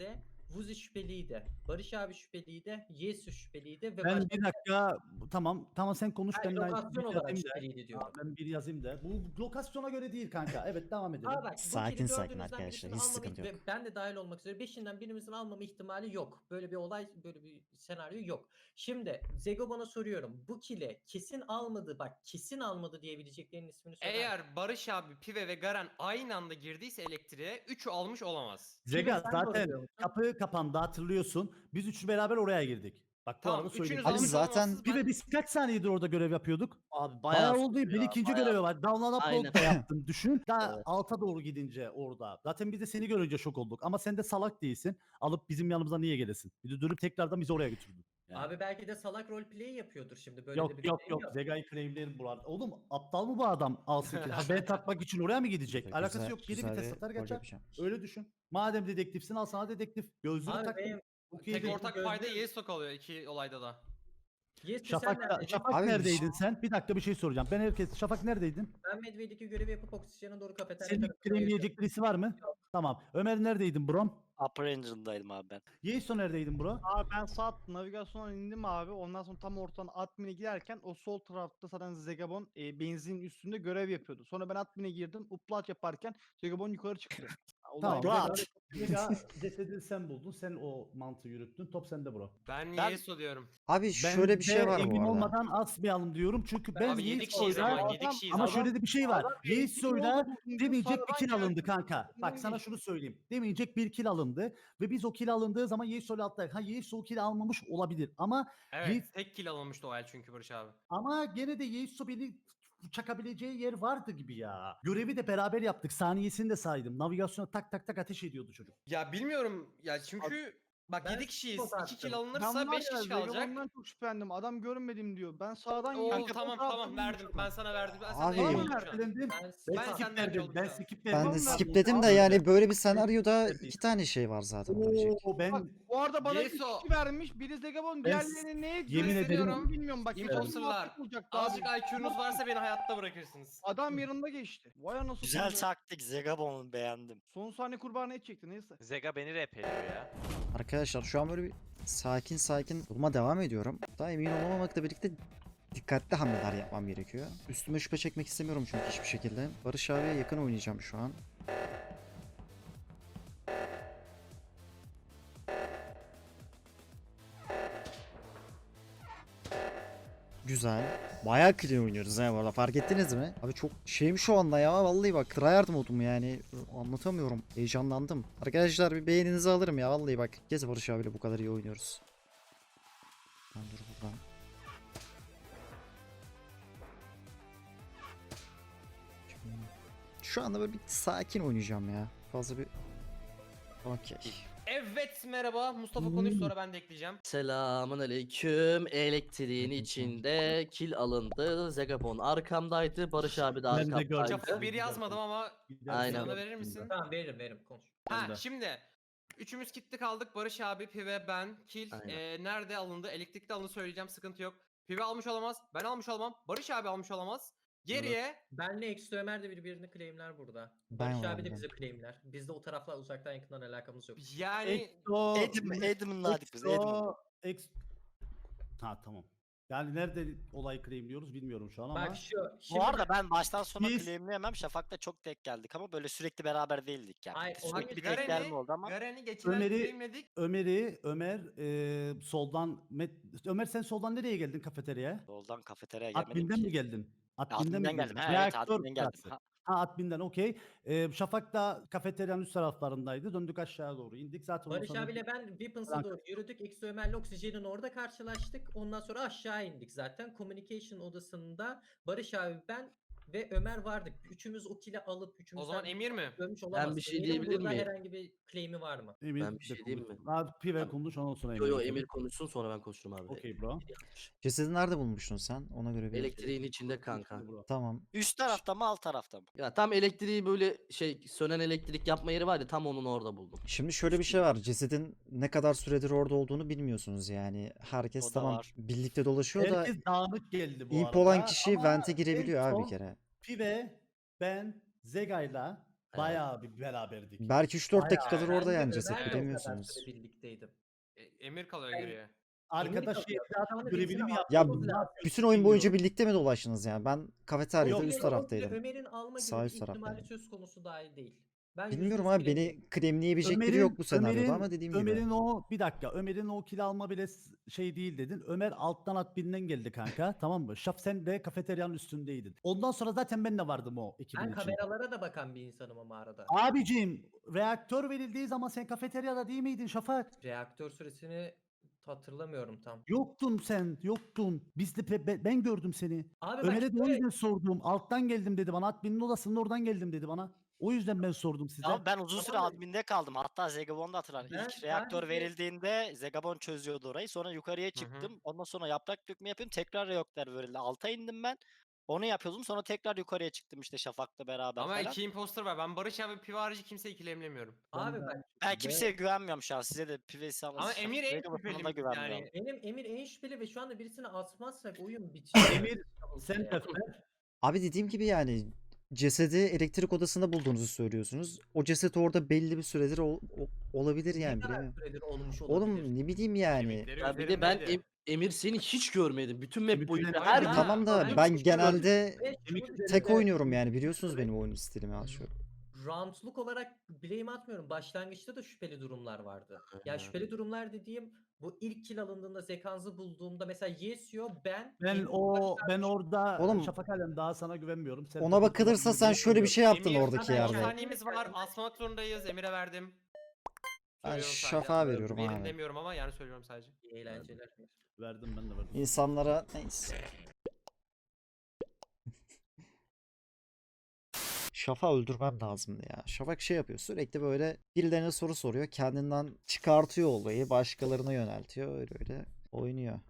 Speaker 8: Vuzi şüpheliydi. Barış abi şüpheliydi. Yesu şüpheliydi ve
Speaker 3: Ben bir dakika tamam sen konuş
Speaker 8: Hayır,
Speaker 3: ben
Speaker 8: lokasyon
Speaker 3: bir
Speaker 8: olarak
Speaker 3: yazayım da.
Speaker 8: şüpheliydi diyorum.
Speaker 3: Ben bir yazayım da. Bu lokasyona göre değil kanka. Evet devam edelim.
Speaker 8: Aa bak, bu
Speaker 1: Sakin
Speaker 8: kili
Speaker 1: sakin
Speaker 8: dördünüzden
Speaker 1: arkadaşlar,
Speaker 8: birisini
Speaker 1: hiç
Speaker 8: almama
Speaker 1: sıkıntı yok.
Speaker 8: ve ben de dahil olmak üzere beşinden birimizin almama ihtimali yok. Böyle bir olay, böyle bir senaryo yok. Şimdi Zego bana soruyorum. Bu kili kesin almadı, bak kesin almadı diyebileceklerinin ismini söyler misin?
Speaker 6: Eğer Barış abi, Pive ve Garen aynı anda girdiyse elektriğe 3'ü almış olamaz.
Speaker 3: Zega
Speaker 8: sen doğru
Speaker 3: zaten
Speaker 8: diyorsun.
Speaker 3: kapı kapandı hatırlıyorsun. Biz üçü beraber oraya girdik. Bak bu
Speaker 6: Tamam
Speaker 3: arada söyleyeyim.
Speaker 6: üçünüz
Speaker 1: Abi
Speaker 6: almış
Speaker 1: zaten-
Speaker 6: olamazsınız.
Speaker 3: Bir ve biz kaç saniyedir orada görev yapıyorduk?
Speaker 7: Abi
Speaker 3: Bayağı
Speaker 7: bayağı
Speaker 3: oldu.
Speaker 7: sürdü
Speaker 3: Bir
Speaker 7: ya,
Speaker 3: ikinci
Speaker 7: bayağı.
Speaker 3: görevi var. Download
Speaker 7: Aynen.
Speaker 3: upload da yaptım. Düşün. Daha alta doğru gidince orada. Zaten biz de seni görünce şok olduk. Ama sen de salak değilsin. Alıp bizim yanımıza niye gelesin? Bir de dönüp tekrardan bizi oraya götürdün. Yani.
Speaker 8: Abi belki de salak roleplay yapıyordur şimdi. Böyle de
Speaker 3: Yok
Speaker 8: bir
Speaker 3: yok
Speaker 8: şey
Speaker 3: yok. Zega'yı claimlerim buralarda. Oğlum aptal mı bu adam? Alsın ki. Ha, ben takmak için oraya mı gidecek?
Speaker 1: Güzel-
Speaker 3: Alakası yok. Biri
Speaker 1: güzel
Speaker 3: bir test
Speaker 1: bir
Speaker 3: atar
Speaker 1: rol
Speaker 3: geçer.
Speaker 1: yapacağım.
Speaker 3: Öyle düşün. Madem dedektifsin al sana dedektif. Gözlüğünü
Speaker 8: Abi
Speaker 3: taktın.
Speaker 8: benim
Speaker 3: Okey
Speaker 6: Tek
Speaker 3: değil.
Speaker 6: ortak
Speaker 8: gözlüğüm-
Speaker 6: fayda Yeso kalıyor iki olayda da.
Speaker 8: Yesu sen
Speaker 3: Şafak,
Speaker 8: neredeydin?
Speaker 3: Şafak
Speaker 1: Abi
Speaker 3: neredeydin sen? Bir dakika bir şey soracağım. Şafak neredeydin?
Speaker 8: Ben Medway'deki görevi yapıp oksijene doğru kafeterya
Speaker 3: Senin
Speaker 8: tarafına
Speaker 3: claimleyecek birisi var mı? Tamam. Ömer neredeydin bro?
Speaker 5: Upper Engine'daydım abi ben.
Speaker 3: Yeiso neredeydin bro?
Speaker 9: Abi ben saat navigasyona indim abi. Ondan sonra tam ortadan admin'e giderken o sol tarafta zaten Zegabon benzinin üstünde görev yapıyordu. Sonra ben admin'e girdim. Upload yaparken Zegabon yukarı çıktı.
Speaker 3: Tamam.
Speaker 9: Olay-
Speaker 3: Vega cesedi sen buldun. Sen o mantığı yürüttün. Top sende bro.
Speaker 6: Ben
Speaker 5: Ben-
Speaker 6: Yeso diyorum.
Speaker 1: Abi şöyle bir şey var
Speaker 3: emin
Speaker 1: bu arada.
Speaker 3: olmadan asmayalım diyorum. Çünkü ben
Speaker 6: Abi 7 kişiyiz
Speaker 3: Yeiso'yla
Speaker 6: ama 7 kişiyiz
Speaker 3: ama
Speaker 6: ama.
Speaker 3: şöyle de bir şey var.
Speaker 9: Adam
Speaker 3: Yeiso'yla
Speaker 9: emin olmadan
Speaker 3: demeyecek bir
Speaker 9: sonradan
Speaker 3: kill alındı
Speaker 9: geldi.
Speaker 3: kanka. Bak sana şunu söyleyeyim. Demeyecek bir kill alındı. Ve biz o kill alındığı zaman Yeiso'yla atladık. Ha Yeiso o kill almamış olabilir. Ama
Speaker 6: Evet tek kill alınmıştı o el çünkü Barış abi.
Speaker 3: gene de Yeiso beni çakabileceği yer vardı gibi ya. Görevi de beraber yaptık. Saniyesini de saydım. Navigasyona tak tak tak ateş ediyordu çocuk.
Speaker 6: Ya bilmiyorum ya çünkü bak
Speaker 8: Ben
Speaker 6: 7 kişiyiz.
Speaker 8: spot
Speaker 6: 2 kill
Speaker 8: attım.
Speaker 6: alınırsa
Speaker 9: Ben var
Speaker 6: 5
Speaker 9: ya
Speaker 6: kişi kalacak.
Speaker 9: Zegabon'dan çok şüphelendim. Adam görmedim diyor. Ben sağdan
Speaker 6: Oo
Speaker 9: yiyeceğim.
Speaker 6: tamam verdim. Ben sana verdim. Ben sana
Speaker 1: Abi-
Speaker 6: emin
Speaker 1: Abi-
Speaker 6: oldum şu an.
Speaker 3: Ertelendim.
Speaker 8: Ben
Speaker 3: Ben
Speaker 6: Ben
Speaker 3: skip
Speaker 6: senden önce
Speaker 3: verdim.
Speaker 6: oldum
Speaker 3: Ben
Speaker 6: şu an.
Speaker 3: skip
Speaker 1: Ben
Speaker 3: verdim.
Speaker 1: de
Speaker 9: Tamam,
Speaker 1: skipledim de
Speaker 3: Abi,
Speaker 1: yani böyle bir senaryoda iki tane şey var zaten olabilecek.
Speaker 3: Oo, ben
Speaker 9: Bak bu arada bana iki
Speaker 6: Yeso.
Speaker 9: kişi vermiş. Biri Zegabon, diğerlerine neye
Speaker 3: yemin ederim-
Speaker 9: gösteriyorum bilmiyorum. Bak
Speaker 6: Imposterlar. Azıcık IQ'nuz varsa beni hayatta bırakırsınız.
Speaker 9: Adam yanında geçti. Vay anasını.
Speaker 5: Güzel
Speaker 9: satayım.
Speaker 5: taktik Zegabon'u beğendim.
Speaker 9: Son saniye kurbanı et çekti neyse.
Speaker 4: Zega beni repeliyor ya.
Speaker 1: Arkadaşlar şu an böyle bir sakin yoluma devam ediyorum. Daha emin olamamakla birlikte dikkatli hamleler yapmam gerekiyor. Üstüme şüphe çekmek istemiyorum çünkü hiçbir şekilde. Barış abiye yakın oynayacağım şu an. Güzel. Bayağı clean oynuyoruz ha bu arada. Fark ettiniz mi? Abi çok şeyim şu anda ya. Vallahi bak tryhard modum yani. Anlatamıyorum. Heyecanlandım. Arkadaşlar bir beğeninizi alırım ya. Vallahi bak. Kez Barış abiyle bu kadar iyi oynuyoruz. Ben dur buradan. Şu anda böyle bir sakin oynayacağım ya. Fazla bir... Okey.
Speaker 6: Evet merhaba. Mustafa konuş sonra ben de ekleyeceğim.
Speaker 7: Selamun aleyküm. Elektriğin
Speaker 1: Aleyküm
Speaker 7: içinde kill alındı. Zegabon arkamdaydı. Barış abi de
Speaker 3: Ben de gördüm.
Speaker 7: arkamdaydı.
Speaker 6: Şafak bir yazmadım ama
Speaker 7: Aynen.
Speaker 6: sana verir misin?
Speaker 8: Tamam veririm konuş.
Speaker 6: Ha
Speaker 3: Ben de.
Speaker 6: şimdi üçümüz gitti kaldık. Barış abi, Pive, ben, Kill.
Speaker 7: Aynen.
Speaker 6: Nerede alındı? Elektrikte alındı söyleyeceğim sıkıntı yok. Pive almış olamaz. Ben almış olamam. Barış abi almış olamaz. Geriye
Speaker 8: Benle Eksi Ömer de birbirini claimler burada.
Speaker 1: Ben
Speaker 8: Barış abi de
Speaker 1: vardım.
Speaker 8: bizi claimler. Bizde o tarafla uzaktan yakından alakamız yok.
Speaker 6: yani
Speaker 5: Adam'ınladık biz Adam.
Speaker 3: Ha tamam. Yani nerede olayı claimliyoruz bilmiyorum şu an ama.
Speaker 8: Bak şu.
Speaker 5: Bu arada ben baştan sona
Speaker 3: Biz-
Speaker 5: claimleyemem. Şafak'la çok tek geldik ama böyle sürekli beraber değildik yani.
Speaker 8: Hayır,
Speaker 5: Sürekli
Speaker 8: onu
Speaker 5: bir
Speaker 8: Garen'i-
Speaker 5: tek gelme oldu ama.
Speaker 6: Garen'i geçen
Speaker 3: Ömer'i-
Speaker 6: claimledik.
Speaker 3: Ömer soldan Ömer sen soldan nereye geldin kafeteryaya?
Speaker 5: Yoldan kafeteryaya gelmedim
Speaker 3: Admin'den
Speaker 5: ki.
Speaker 3: mi geldin?
Speaker 5: Admin'den
Speaker 3: mi
Speaker 5: geldim.
Speaker 3: geldin?
Speaker 5: Ha, evet
Speaker 3: Reaktör
Speaker 5: admin'den geldim.
Speaker 3: burası.
Speaker 5: Ha,
Speaker 3: Ha admin'den okey. Şafak da kafeteryanın üst taraflarındaydı. Döndük aşağı doğru indik. Zaten ondan
Speaker 8: Barış
Speaker 3: sonra
Speaker 8: abiyle ben Weapons'a
Speaker 3: Bırak.
Speaker 8: doğru yürüdük. Eksi Ömer'le Oksijen'in orada karşılaştık. Ondan sonra aşağı indik zaten. Communication odasında Barış abi, ben ve Ömer vardık. Üçümüz o kili alıp
Speaker 6: O zaman Emir mi?
Speaker 8: görmüş olamaz.
Speaker 7: bir şey
Speaker 8: Emir'in
Speaker 7: diyebilir
Speaker 8: burada
Speaker 7: miyim?
Speaker 8: herhangi bir claim'i var mı?
Speaker 3: Emir
Speaker 7: Ben bir şey
Speaker 3: de
Speaker 7: diyeyim
Speaker 3: konuş.
Speaker 7: mi?
Speaker 3: Abi Pive
Speaker 7: Tamam.
Speaker 3: konuş ondan sonra
Speaker 7: Yo yo
Speaker 3: konuş.
Speaker 7: Emir konuşsun sonra ben konuşurum abi.
Speaker 3: Okey bro.
Speaker 1: Cesedi nerede bulmuştun sen? Ona göre bir...
Speaker 7: Elektriğin içinde kanka.
Speaker 1: Tamam.
Speaker 5: Üst tarafta mı alt tarafta mı?
Speaker 7: Ya tam elektriği böyle sönen elektrik yapma yeri var ya tam onun orada buldum.
Speaker 1: Şimdi şöyle bir şey var. Cesedin ne kadar süredir orada olduğunu bilmiyorsunuz yani. Herkes
Speaker 5: O da
Speaker 1: tamam
Speaker 5: var.
Speaker 1: birlikte dolaşıyor da
Speaker 3: Herkes dağınık geldi bu
Speaker 1: imp
Speaker 3: arada.
Speaker 1: olan kişi
Speaker 3: ama
Speaker 1: vente girebiliyor
Speaker 3: en
Speaker 1: abi bir
Speaker 3: son
Speaker 1: kere.
Speaker 3: Pive, ben, Zega'yla Bayağı bir beraberdik.
Speaker 1: Belki 3-4
Speaker 3: Bayağı.
Speaker 1: dakikadır orada
Speaker 8: Ben de
Speaker 1: yani ceset
Speaker 8: Ömer'le o kadar
Speaker 1: bilemiyorsunuz.
Speaker 8: süre birlikteydim.
Speaker 6: Emir kalıyor
Speaker 8: Ben-
Speaker 6: geriye.
Speaker 3: Arkadaş
Speaker 8: Emir kalıyor.
Speaker 3: zaten
Speaker 8: Sonra
Speaker 3: görevini
Speaker 8: birisine
Speaker 3: mi
Speaker 8: atmamız
Speaker 3: yaptı?
Speaker 1: Ya
Speaker 8: lazım.
Speaker 3: Ne yaptı?
Speaker 1: bütün oyun boyunca
Speaker 3: Bilmiyorum.
Speaker 1: birlikte mi dolaştınız yani? Ben kafeteryada
Speaker 3: Yok,
Speaker 1: üst
Speaker 8: O bile
Speaker 1: taraftaydım.
Speaker 8: Ömer'in alma
Speaker 1: Sağ
Speaker 8: gibi bir
Speaker 1: üst
Speaker 8: ihtimali
Speaker 1: taraftaydım.
Speaker 8: söz konusu dahi değil. Ben
Speaker 1: Bilmiyorum
Speaker 8: %100
Speaker 1: abi, beni
Speaker 8: claim'im.
Speaker 1: claimleyebilecek biri yok bu senaryoda ama dediğim gibi.
Speaker 3: Ömer'in o bir dakika Ömer'in o kill alma bile şey değil dedin. Ömer alttan adminden geldi kanka tamam mı? Şaf sen de kafeteryanın üstündeydin. Ondan sonra zaten ben de vardım o ekibin
Speaker 8: Ben
Speaker 3: içinde.
Speaker 8: kameralara da bakan bir insanım ama arada.
Speaker 3: Abicim reaktör verildiği zaman sen kafeteryada değil miydin Şafak?
Speaker 8: Reaktör süresini hatırlamıyorum tam.
Speaker 3: Yoktun sen yoktun. Biz de ben gördüm seni.
Speaker 8: Abi bak
Speaker 3: Ömer'e de o
Speaker 8: şöyle-
Speaker 3: yüzden sordum. Alttan geldim dedi bana. Admin'in odasının oradan geldim dedi bana. O yüzden ben sordum size.
Speaker 5: Ama ben uzun süre
Speaker 8: Tamam da-
Speaker 5: adminde kaldım. Hatta Zegabon da hatırlar.
Speaker 8: Ben
Speaker 5: İlk reaktör
Speaker 8: sadece-
Speaker 5: verildiğinde Zegabon çözüyordu orayı. Sonra yukarıya çıktım. Ondan sonra yaprak dökme yapıyorum. Tekrar reaktör verildi. Alta indim ben. Onu yapıyordum. Sonra tekrar yukarıya çıktım işte Şafak'la beraber
Speaker 6: Ama
Speaker 5: falan.
Speaker 6: 2 imposter var. Ben Barış abi Pive harici kimseyi ikilemlemiyorum.
Speaker 8: Abi bak
Speaker 5: Ben kimseye güvenmiyorum şu an. Size de Pivesi
Speaker 6: Ama Emir en
Speaker 5: Zegabon'a
Speaker 6: şüpheli
Speaker 5: da güvenmiyorum.
Speaker 6: yani.
Speaker 8: benim Emir en şüpheli ve şu anda birisini asmazsak oyun bitiyor.
Speaker 3: Emir sen de
Speaker 1: Abi dediğim gibi yani cesedi elektrik odasında bulduğunuzu söylüyorsunuz. O ceset orada belli bir süredir olabilir yani,
Speaker 8: Ne kadar
Speaker 1: bilemiyorum.
Speaker 8: süredir olmuş olabilir.
Speaker 1: Oğlum ne bileyim yani.
Speaker 6: Kemikleri
Speaker 7: Ya bir de ben
Speaker 6: üzerindeydi.
Speaker 7: Emir seni hiç görmedim. Bütün map
Speaker 3: Bütün
Speaker 7: boyunca
Speaker 3: map-
Speaker 7: her
Speaker 1: Abi
Speaker 8: Ha,
Speaker 1: tamam da
Speaker 8: ben
Speaker 1: ben
Speaker 8: hiç
Speaker 1: genelde
Speaker 8: Ve şunu
Speaker 1: tek
Speaker 8: düşünün,
Speaker 1: oynuyorum yani, biliyorsunuz benim oyun stilimi az çok.
Speaker 8: roundluk olarak blame atmıyorum. Başlangıçta da şüpheli durumlar vardı. Ya şüpheli durumlar dediğim bu ilk kill alındığında Zekans'ı bulduğumda mesela Yesio ben
Speaker 3: Ben orada
Speaker 1: Oğlum,
Speaker 3: Şafak Alem daha sana güvenmiyorum. Sen
Speaker 1: Ona bakılırsa sen şöyle bir şey yaptın
Speaker 6: Emir,
Speaker 1: oradaki
Speaker 6: zaten
Speaker 8: yerde.
Speaker 6: 10
Speaker 1: yerde.
Speaker 6: saniyemiz var. Asmak zorundayız. Emir'e verdim.
Speaker 1: Ben
Speaker 6: Söylüyorum sadece.
Speaker 1: Şafak'a veriyorum
Speaker 6: Verin
Speaker 1: abi.
Speaker 6: demiyorum ama yani söylüyorum sadece.
Speaker 8: İyi eğlenceler.
Speaker 3: Verdim ben de verdim.
Speaker 1: İnsanlara neyse. Şafak'ı öldürmem lazımdı ya. Şafak şey yapıyor, sürekli böyle birilerine soru soruyor. Kendinden çıkartıyor olayı. Başkalarına yöneltiyor. Öyle öyle oynuyor.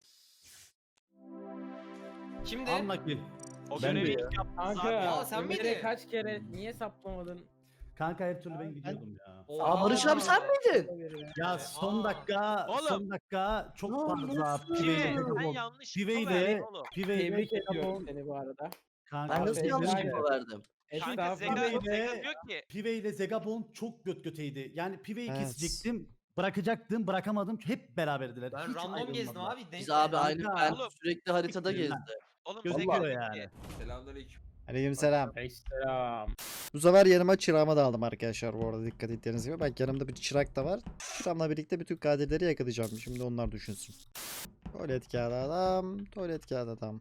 Speaker 6: Kimdi?
Speaker 3: Anla kill.
Speaker 4: O
Speaker 3: Ben de
Speaker 4: görevi
Speaker 3: ya.
Speaker 4: ilk yaptınız
Speaker 6: Kanka,
Speaker 4: abi.
Speaker 6: Aa, sen
Speaker 10: Ömer'e
Speaker 6: miydin?
Speaker 10: kaç kere niye saplamadın?
Speaker 3: Kanka her türlü ben gidiyordum ya.
Speaker 7: Aa Barış abi sen miydin?
Speaker 3: Ya son dakika
Speaker 4: Oğlum.
Speaker 3: son dakika çok
Speaker 7: Ya
Speaker 3: fazla
Speaker 7: nasıl?
Speaker 3: Pive'yle
Speaker 4: Sen
Speaker 3: Zegabon.
Speaker 4: yanlış
Speaker 3: Pive'yle
Speaker 4: info verdin oğlum.
Speaker 3: Pive'yle
Speaker 10: Tebrik ediyorum
Speaker 3: Zegabon.
Speaker 10: seni bu arada.
Speaker 3: Kanka
Speaker 7: Ben nasıl
Speaker 10: Abi,
Speaker 7: yanlış
Speaker 10: aynen.
Speaker 7: info verdim?
Speaker 4: Kanka
Speaker 10: Estağfurullah.
Speaker 4: Zega diyor ki
Speaker 3: Pive ile Zegabon çok göt göteydi. Yani Pive'yi
Speaker 1: Evet.
Speaker 3: kesecektim. Bırakacaktım, bırakamadım. Hep beraberdiler.
Speaker 6: Ben
Speaker 3: Hiç
Speaker 6: random gezdim
Speaker 3: ayrılmadılar.
Speaker 6: abi.
Speaker 7: Biz abi aynı
Speaker 3: Kanka,
Speaker 7: ben
Speaker 4: oğlum.
Speaker 7: sürekli haritada
Speaker 3: Siktir lan.
Speaker 7: gezdi.
Speaker 4: oğlum
Speaker 3: Gözüküyor
Speaker 4: Zega
Speaker 3: yani.
Speaker 4: yani.
Speaker 1: Aleykümselam.
Speaker 10: Selam.
Speaker 1: Bu sefer yanıma çırağımı da aldım arkadaşlar, bu arada dikkat ettiğiniz gibi. Bak yanımda bir çırak da var. Çırağımla birlikte bütün katilleri yakalayacağım. Şimdi onlar düşünsün. Tuvalet kağıdı adam. Tuvalet kağıdı adam.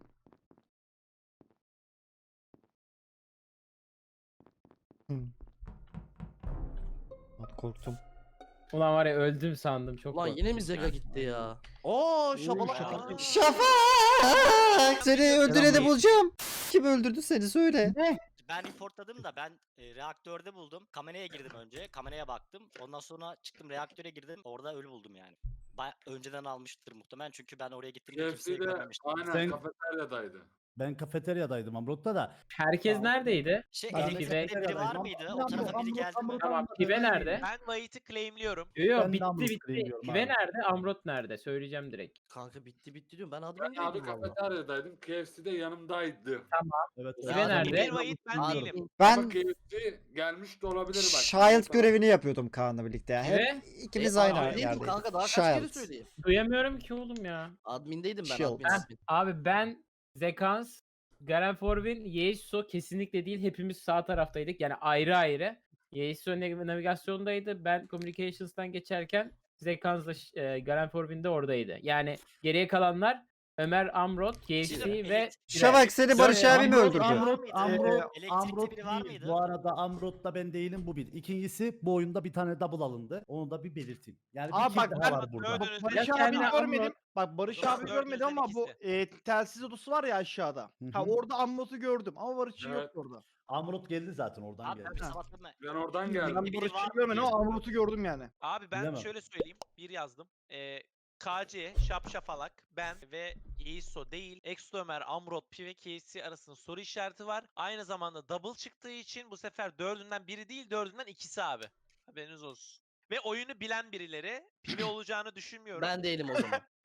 Speaker 1: Lan korktum.
Speaker 10: Ulan var ya öldüm sandım çok
Speaker 7: Ulan
Speaker 10: korktum.
Speaker 7: yine mi Zega gitti ya? Oo şabalak.
Speaker 3: şaka.
Speaker 1: Şafak! Seni öldüreni bulacağım. Kim öldürdü seni söyle.
Speaker 5: Ben reportladım da ben reaktörde buldum. Kameraya girdim önce. Kameraya baktım. Ondan sonra çıktım reaktöre girdim. Orada ölü buldum yani. Önceden almıştır muhtemelen çünkü ben oraya gittim de kimseyi görmemiştim.
Speaker 3: Sen-
Speaker 11: kafeteryadaydı.
Speaker 3: Ben kafeteryadaydım Amrot'ta da.
Speaker 10: Herkes neredeydi?
Speaker 5: Şey
Speaker 3: Ben de
Speaker 5: elektrikte biri var
Speaker 3: kafeteryadaydım.
Speaker 5: mıydı? O
Speaker 3: Amrot,
Speaker 5: tarafa biri
Speaker 3: Amrot,
Speaker 5: geldi mi?
Speaker 3: Amrot,
Speaker 10: Tamam,
Speaker 3: Amrot,
Speaker 10: Pive
Speaker 3: Amrot.
Speaker 10: nerede?
Speaker 4: Ben Vahit'i claimliyorum.
Speaker 10: Yo
Speaker 3: Ben de
Speaker 10: bitti
Speaker 3: Amrot'u
Speaker 10: bitti.
Speaker 3: biliyorum
Speaker 10: Pive
Speaker 3: abi.
Speaker 10: nerede? Amrot nerede? Söyleyeceğim direkt.
Speaker 7: Kanka bitti diyorum. Ben
Speaker 11: Ben
Speaker 7: admin
Speaker 11: abi
Speaker 7: değilim valla.
Speaker 11: kafeteryadaydım. KFC'de yanımdaydı.
Speaker 3: Evet.
Speaker 10: Pive
Speaker 3: evet.
Speaker 10: nerede?
Speaker 4: Emir Vahit ben
Speaker 7: Abi,
Speaker 4: değilim.
Speaker 11: Ama
Speaker 1: Ben
Speaker 11: KFC gelmiş de olabilir bak.
Speaker 1: Child görevini yapıyordum Kaan'la birlikte. Hep ikimiz aynı
Speaker 7: admindeydim
Speaker 1: yerdeydik.
Speaker 7: kanka daha kaç kere
Speaker 1: Child.
Speaker 7: söyleyeyim.
Speaker 10: Duyamıyorum ki oğlum ya.
Speaker 7: Admindeydim ben
Speaker 1: Shield.
Speaker 7: admin.
Speaker 10: Heh.
Speaker 7: admin.
Speaker 10: Abi ben, Zekans, Garen Forvin, Yeiso kesinlikle değil. Hepimiz sağ taraftaydık. Yani ayrı ayrı. Yeiso navigasyondaydı. Ben Communications'tan geçerken Zekans'la Garen Forvin de oradaydı. Yani geriye kalanlar Ömer, Amrot, KFC
Speaker 5: Şimdi
Speaker 10: ve
Speaker 1: Şafak seni Barış
Speaker 3: Söyle,
Speaker 1: abi mi
Speaker 3: Amrot,
Speaker 1: öldürdü?
Speaker 5: Elektrikte
Speaker 3: Amrot
Speaker 5: biri var
Speaker 3: değil.
Speaker 5: mıydı?
Speaker 3: Bu arada Amrot'ta ben değilim bu bir. İkincisi bu oyunda bir tane double alındı. Onu da bir belirteyim. Yani bir
Speaker 9: Aa,
Speaker 3: kill
Speaker 9: bak
Speaker 3: daha
Speaker 9: ben-
Speaker 3: var burada.
Speaker 4: Dördünüz
Speaker 9: Barış
Speaker 10: Ya
Speaker 9: abi
Speaker 10: kendine
Speaker 9: görmedim.
Speaker 10: Amrot-
Speaker 9: Bak Barış
Speaker 4: Dördünüzden
Speaker 9: abi görmedim ama bu telsiz odası var ya aşağıda.
Speaker 3: Hı
Speaker 9: Ha
Speaker 3: hı.
Speaker 9: orada Amrot'u gördüm ama Barış'ı
Speaker 11: Evet.
Speaker 9: yoktu orada.
Speaker 3: Amrot geldi zaten oradan
Speaker 5: Abi
Speaker 3: geldi.
Speaker 5: ben sabahtan
Speaker 11: Ben oradan
Speaker 9: Ben
Speaker 11: geldim.
Speaker 5: biri
Speaker 9: Barış'ı
Speaker 5: var
Speaker 9: görmedim
Speaker 5: diye.
Speaker 9: ama Amrot'u gördüm yani.
Speaker 4: Abi ben
Speaker 3: Bilemem.
Speaker 4: şöyle söyleyeyim. Bir yazdım. KC, Şapşafalak, ben ve Yeiso değil. Exo Ömer, Amrot, Pive, KC arasında soru işareti var. Aynı zamanda double çıktığı için bu sefer dördünden biri değil, dördünden ikisi abi. Haberiniz olsun. Ve oyunu bilen birileri. Pive olacağını düşünmüyorum.
Speaker 7: Ben değilim o zaman.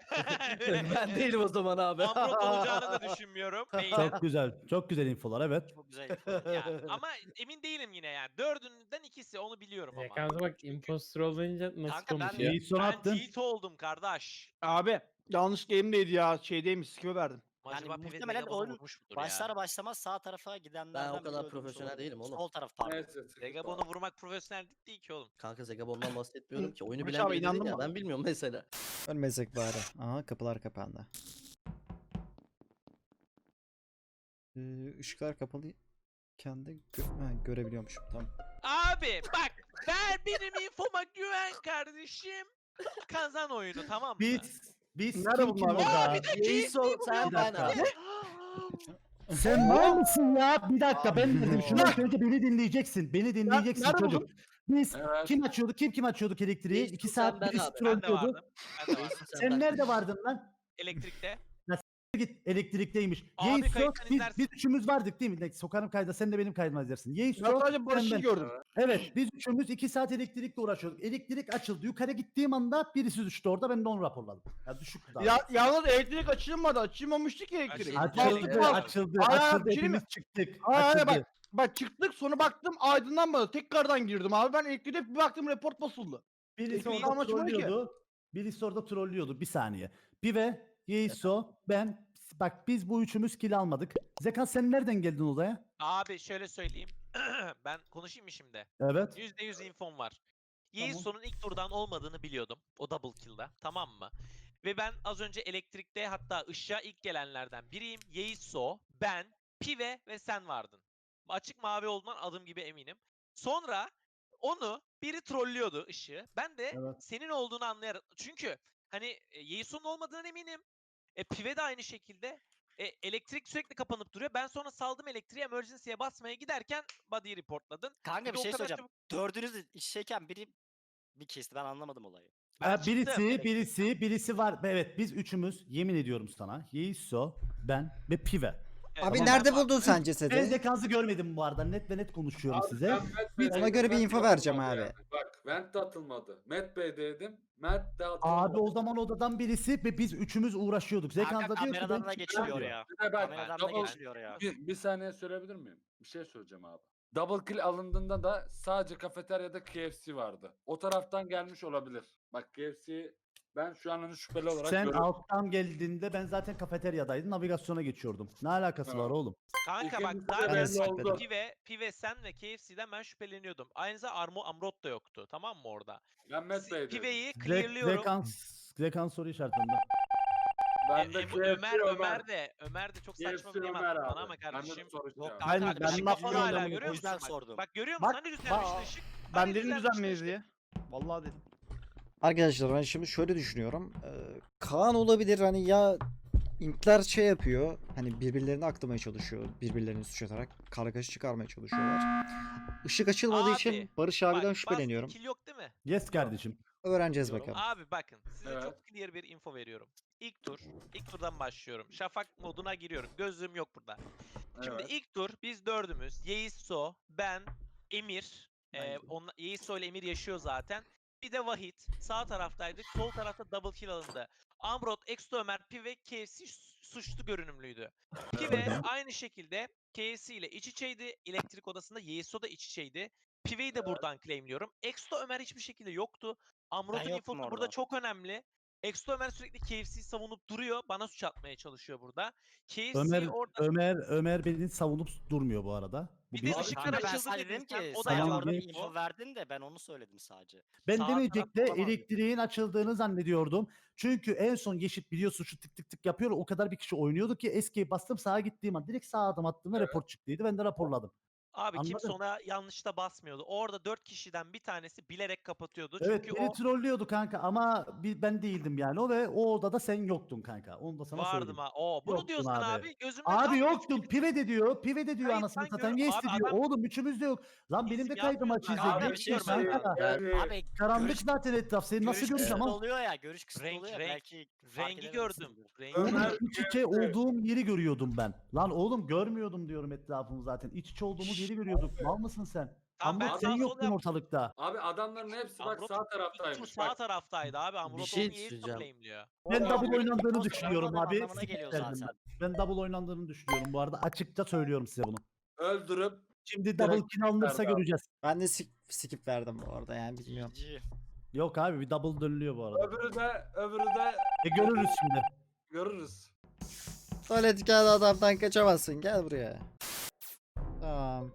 Speaker 7: Ben değilim o zaman abi.
Speaker 4: Amrot olacağını da düşünmüyorum. Değilim.
Speaker 3: Çok güzel. Çok güzel infolar evet.
Speaker 5: Çok güzel info.
Speaker 4: Ya, ama emin değilim yine yani. Dördünden ikisi onu biliyorum ama.
Speaker 10: Zekansa bak impostor olunca nasıl
Speaker 5: Kanka ben-
Speaker 10: konuşuyor.
Speaker 3: Yeis son
Speaker 4: Ben
Speaker 3: attın.
Speaker 4: tilt oldum kardeş.
Speaker 9: Abi yanlış game'deydi ya. Şeydeymiş. Skip'e verdim.
Speaker 4: Acaba
Speaker 5: Yani
Speaker 4: Pive
Speaker 5: muhtemelen
Speaker 4: Zegabon'u
Speaker 5: oyun
Speaker 4: vurmuş mudur
Speaker 5: Başlar
Speaker 4: ya?
Speaker 5: başlamaz sağ tarafa gidenlerden
Speaker 7: kadar
Speaker 5: biri öldürmüş
Speaker 7: profesyonel
Speaker 5: olabilir.
Speaker 7: değilim oğlum.
Speaker 5: Sol taraf pardon.
Speaker 11: Neyse. sıkıntı
Speaker 4: Zegabon'u
Speaker 11: yok.
Speaker 4: vurmak profesyonellik değil ki oğlum.
Speaker 7: Kanka Zegabon'dan bahsetmiyorum ki. Oyunu
Speaker 9: Barış
Speaker 7: bilen
Speaker 9: abi,
Speaker 7: biri dedin
Speaker 9: inandın
Speaker 7: ya.
Speaker 9: mı?
Speaker 7: Ben bilmiyorum mesela.
Speaker 1: Ölmesek bari. Aha kapılar kapandı. Işıklar kapalıyken de görebiliyormuşum. Tamam.
Speaker 4: Abi bak benim infoma güven kardeşim. Kazan oyunu tamam mı?
Speaker 3: Biz
Speaker 9: Nerede
Speaker 3: kim
Speaker 9: bunlar?
Speaker 3: orada?
Speaker 7: Yeiso sen
Speaker 3: Bir
Speaker 7: ben
Speaker 3: dakika.
Speaker 7: abi.
Speaker 3: Sen mal mısın ya? Bir dakika ben dedim. Şunu
Speaker 4: Aa.
Speaker 3: önce beni dinleyeceksin. Beni dinleyeceksin
Speaker 9: nerede
Speaker 3: çocuk. Biz
Speaker 11: Evet.
Speaker 3: kim açıyorduk elektriği?
Speaker 7: Yeiso
Speaker 3: 2
Speaker 7: sen,
Speaker 3: saat
Speaker 7: ben
Speaker 3: birisi
Speaker 7: abi.
Speaker 4: Ben de
Speaker 3: trollüyordu.
Speaker 4: vardım. Ben de vardım.
Speaker 7: Yeiso
Speaker 3: Sen
Speaker 7: ben.
Speaker 3: nerede vardın lan?
Speaker 4: Elektrikte.
Speaker 3: Git elektrikteymiş.
Speaker 4: Abi
Speaker 3: Yeiso
Speaker 4: kayıttan
Speaker 3: biz
Speaker 4: izlersin.
Speaker 3: üçümüz vardık değil mi? Sokarım kayda sen de benim kaydıma izlersin.
Speaker 9: Ben
Speaker 3: Yeiso
Speaker 9: sadece Barış'ı
Speaker 3: sen ben.
Speaker 9: gördüm.
Speaker 3: Evet biz üçümüz 2 saat elektrikle uğraşıyorduk. Elektrik açıldı. Yukarı gittiğim anda birisi düştü orada. Ben de onu raporladım. Ya düşüktü daha.
Speaker 9: Ya yalnız elektrik açılmadı. Açılmamıştı ki elektrik.
Speaker 4: Açıldı.
Speaker 3: Açıldı.
Speaker 9: Hayır,
Speaker 3: Açıldı.
Speaker 9: bir şey mi?
Speaker 3: Hepimiz çıktık.
Speaker 9: Hayır
Speaker 3: Açıldı.
Speaker 9: bak çıktık sonra baktım aydınlanmadı. Tekrardan girdim abi. Ben elektriğe bir baktım report basıldı.
Speaker 3: Birisi
Speaker 9: Elektriği
Speaker 3: orada
Speaker 9: amaçlı bu ki.
Speaker 3: trollüyordu. Birisi orada trollüyordu. Bir saniye. Pive, Yeiso, ben. Bak biz bu üçümüz kill almadık. Zekan sen nereden geldin odaya?
Speaker 4: Abi şöyle söyleyeyim. Ben konuşayım mı şimdi?
Speaker 3: Evet.
Speaker 4: %100 infom var. Yeiso'nun ilk turdan olmadığını biliyordum. O double kill'da. Tamam mı? Ve ben az önce elektrikte hatta ışığa ilk gelenlerden biriyim. Yeiso, ben, Pive ve sen vardın. Açık mavi olduğundan adım gibi eminim. Sonra onu biri trollüyordu ışığı. Ben de
Speaker 3: Evet.
Speaker 4: senin olduğunu anlayarak. Çünkü hani Yeiso'nun olmadığından eminim. Pive de aynı şekilde. Elektrik sürekli kapanıp duruyor. Ben sonra saldım elektriği emergency'ye basmaya giderken body'yi reportladın.
Speaker 5: Kanka
Speaker 4: de
Speaker 5: bir
Speaker 4: o
Speaker 5: şey
Speaker 4: kadar
Speaker 5: söyleyeceğim. Dördünüz de iç şeyken biri bir kesti. Ben anlamadım olayı.
Speaker 4: Ben çıktım.
Speaker 3: Birisi var. Evet biz üçümüz yemin ediyorum sana. Yeiso, ben ve Pive.
Speaker 4: Evet,
Speaker 1: Abi
Speaker 4: tamam,
Speaker 1: nerede
Speaker 4: ben
Speaker 1: buldun
Speaker 4: baktım.
Speaker 1: sen cesedi?
Speaker 3: Ben Zekansı görmedim bu arada. Net ve net konuşuyorum size.
Speaker 1: Ona göre bir info vereceğim abi.
Speaker 11: Bak vent de atılmadı. Met Bey'deydim. Mert de atılmadı.
Speaker 3: Abi o zaman odadan birisi ve biz üçümüz uğraşıyorduk. Zekan
Speaker 5: Kanka
Speaker 3: da diyor ki
Speaker 5: kameradan
Speaker 3: ben
Speaker 5: da geçiliyor
Speaker 3: çıkacağım diyor.
Speaker 5: ya.
Speaker 11: Bir de bak,
Speaker 5: Kameradan da
Speaker 11: double-
Speaker 5: geçiliyor ya.
Speaker 11: bir saniye söyleyebilir miyim? Bir şey söyleyeceğim abi. Double kill alındığında da sadece kafeteryada KFC vardı. O taraftan gelmiş olabilir. Bak KFC ben şu an onu şüpheli olarak
Speaker 3: Sen
Speaker 11: görüyorum.
Speaker 3: alttan geldiğinde ben zaten kafeteryadaydım. Navigasyona geçiyordum. Ne alakası
Speaker 11: Evet.
Speaker 3: var oğlum?
Speaker 4: Kanka bak
Speaker 11: İkimiz de
Speaker 4: zaten
Speaker 1: belli
Speaker 11: oldu.
Speaker 4: Pive sen ve KFC'den ben şüpheleniyordum. Aynı zamanda Amrot da yoktu. Tamam mı orada?
Speaker 11: Ben Met Bey'deydim.
Speaker 4: Pive'yi clearlıyorum.
Speaker 3: Zekan soru işaretinde.
Speaker 11: Ben de KFC
Speaker 4: Ömer de çok saçma
Speaker 11: KFC
Speaker 4: bir game
Speaker 11: Ömer
Speaker 4: attı
Speaker 11: abi.
Speaker 4: bana ama
Speaker 11: Ben de
Speaker 4: kardeşim.
Speaker 11: soru
Speaker 5: Yok
Speaker 11: işareti.
Speaker 9: Aynen,
Speaker 5: kanka,
Speaker 9: ben
Speaker 5: ışık
Speaker 9: laf
Speaker 5: kapalı
Speaker 9: yiyorum
Speaker 5: hala
Speaker 9: ama
Speaker 5: o
Speaker 4: görüyor musun?
Speaker 5: yüzden
Speaker 4: Bak,
Speaker 5: sordum.
Speaker 4: bak görüyor musun?
Speaker 9: Bak,
Speaker 4: Hani düzelmişti
Speaker 9: bak,
Speaker 4: ışık.
Speaker 9: Ben
Speaker 4: Hani
Speaker 9: dedim
Speaker 4: düzelmişti
Speaker 9: düzenmeyiz
Speaker 4: ışık.
Speaker 9: diye. Vallahi dedim.
Speaker 1: Arkadaşlar ben şimdi şöyle düşünüyorum. Kaan olabilir hani ya İmpler şey yapıyor. Hani birbirlerini aklamaya çalışıyor. Birbirlerini suç atarak kargaşa çıkarmaya çalışıyorlar. Işık açılmadığı için
Speaker 4: Abi,
Speaker 1: Barış
Speaker 4: Bak,
Speaker 1: abiden
Speaker 4: bastı,
Speaker 1: şüpheleniyorum.
Speaker 4: kill yok değil mi?
Speaker 3: Yes kardeşim.
Speaker 1: Öğreneceğiz
Speaker 4: Diyorum.
Speaker 1: bakalım.
Speaker 4: Abi bakın size
Speaker 11: Evet.
Speaker 4: çok clear bir info veriyorum. İlk turdan başlıyorum. Şafak moduna giriyorum. Gözlüğüm yok burada. Şimdi
Speaker 11: Evet.
Speaker 4: ilk tur biz dördümüz. Yeiso, ben, Emir. Yeiso ile Emir yaşıyor zaten. Bir de Vahit. Sağ taraftaydık. Sol tarafta double kill alındı. Amrot, Exto Ömer, Pive, KFC suçlu görünümlüydü. Pive aynı şekilde KFC ile iç içeydi. Elektrik odasında Yeiso da iç içeydi. Pive'yi de buradan claimliyorum. Exto Ömer hiçbir şekilde yoktu. Amrot'un
Speaker 5: yoktum
Speaker 4: infosu burada
Speaker 5: orada.
Speaker 4: çok önemli. Exto Ömer sürekli KFC'yi savunup duruyor. Bana suç atmaya çalışıyor burada. KFC orada...
Speaker 3: Ömer beni savunup durmuyor bu arada. Bu
Speaker 4: Bir de
Speaker 3: bir.
Speaker 4: ışıklar
Speaker 5: Kanka ben
Speaker 4: açıldı
Speaker 5: sadece
Speaker 4: dedin
Speaker 5: dedim
Speaker 4: sen,
Speaker 5: ki
Speaker 4: o da
Speaker 5: sen
Speaker 3: yalan.
Speaker 5: orada bir
Speaker 3: Tamam,
Speaker 5: info verdin de ben onu söyledim sadece.
Speaker 3: Ben
Speaker 4: Sağ
Speaker 3: demeyecekte
Speaker 4: tarafta olan-
Speaker 3: elektriğin açıldığını zannediyordum. Çünkü en son Yeşit biliyorsun şu tık tık tık yapıyor. O kadar bir kişi oynuyordu ki escape bastım sağa gittiğim an direkt sağa adım attığımda
Speaker 11: Evet.
Speaker 3: report çıktıydı. Ben de raporladım.
Speaker 4: Abi kimse
Speaker 3: Anladın?
Speaker 4: ona yanlışta basmıyordu. Orada 4 kişiden bir tanesi bilerek kapatıyordu.
Speaker 3: Evet
Speaker 4: Çünkü
Speaker 3: beni
Speaker 4: o
Speaker 3: trollüyordu kanka ama ben değildim yani o ve o odada sen yoktun kanka. Onu da sana
Speaker 4: vardım
Speaker 3: söyleyeyim.
Speaker 4: ha. Bunu
Speaker 3: Yoktun
Speaker 4: diyorsun
Speaker 3: abi.
Speaker 4: abi. Gözümde
Speaker 3: Abi
Speaker 4: tam
Speaker 3: yoktun.
Speaker 4: üç gibi-
Speaker 3: Pive de diyor. Pive de diyor
Speaker 4: Kayıt
Speaker 3: anasını
Speaker 4: ben
Speaker 3: satayım.
Speaker 4: gör-
Speaker 3: Yes
Speaker 4: Abi
Speaker 3: de diyor.
Speaker 4: adam-
Speaker 3: Oğlum üçümüz de yok. Lan benim de
Speaker 4: İsim
Speaker 3: kaydım
Speaker 4: yazmıyor
Speaker 3: açıydı.
Speaker 4: zaten.
Speaker 5: Abi,
Speaker 3: Ne
Speaker 5: bir şey
Speaker 3: diyorsun
Speaker 5: söyleyeyim.
Speaker 3: kanka?
Speaker 5: Abi
Speaker 3: Karanlık
Speaker 5: görüş-
Speaker 3: zaten etraf. Seni nasıl
Speaker 5: görüş
Speaker 3: göreceğim
Speaker 5: kısıtlı
Speaker 3: ama?
Speaker 5: oluyor ya. Görüş kısıtlı
Speaker 4: Renk-
Speaker 5: oluyor ya.
Speaker 4: renk-
Speaker 5: Belki fark
Speaker 4: rengi gördüm.
Speaker 5: edememişsindir.
Speaker 4: Rengi
Speaker 3: Oğlum
Speaker 11: Ömer-
Speaker 3: iç içe olduğum yeri görüyordum ben. Lan oğlum görmüyordum diyorum etrafımı zaten. İç içe olduğumuz yeri görüyorduk. Mal mısın sen?
Speaker 4: Tamam, ben
Speaker 3: Amrot
Speaker 4: sağ
Speaker 3: sen
Speaker 4: sol
Speaker 3: yoktun
Speaker 4: yap-
Speaker 3: ortalıkta.
Speaker 11: Abi adamların hepsi bak
Speaker 4: Amrot
Speaker 11: sağ
Speaker 4: İlk tur
Speaker 11: taraftaymış.
Speaker 4: sağ
Speaker 11: Bak.
Speaker 4: taraftaydı abi. Amrot
Speaker 7: şey
Speaker 4: onu Yeiso
Speaker 7: söyleyeceğim.
Speaker 4: claimliyor.
Speaker 3: Ben
Speaker 11: Abi,
Speaker 3: double oynandığını
Speaker 5: Olsun,
Speaker 3: düşünüyorum
Speaker 5: olmadığım
Speaker 3: abi.
Speaker 5: anlamına
Speaker 3: Skip
Speaker 5: geliyor
Speaker 3: verdim
Speaker 5: zaten.
Speaker 3: ben double oynandığını düşünüyorum bu arada. Açıkça söylüyorum size bunu.
Speaker 11: Öldürüp
Speaker 3: Şimdi double
Speaker 11: Direkt
Speaker 3: kill alınırsa
Speaker 11: verdi abi.
Speaker 3: göreceğiz.
Speaker 1: Ben de skip verdim bu arada yani bilmiyorum.
Speaker 5: GG.
Speaker 3: Yok abi bir double dönülüyor bu arada.
Speaker 11: öbürü de
Speaker 3: Görürüz şimdi.
Speaker 11: görürüz.
Speaker 1: Tuvalet kağıdı adamdan kaçamazsın. Gel buraya. Tamam.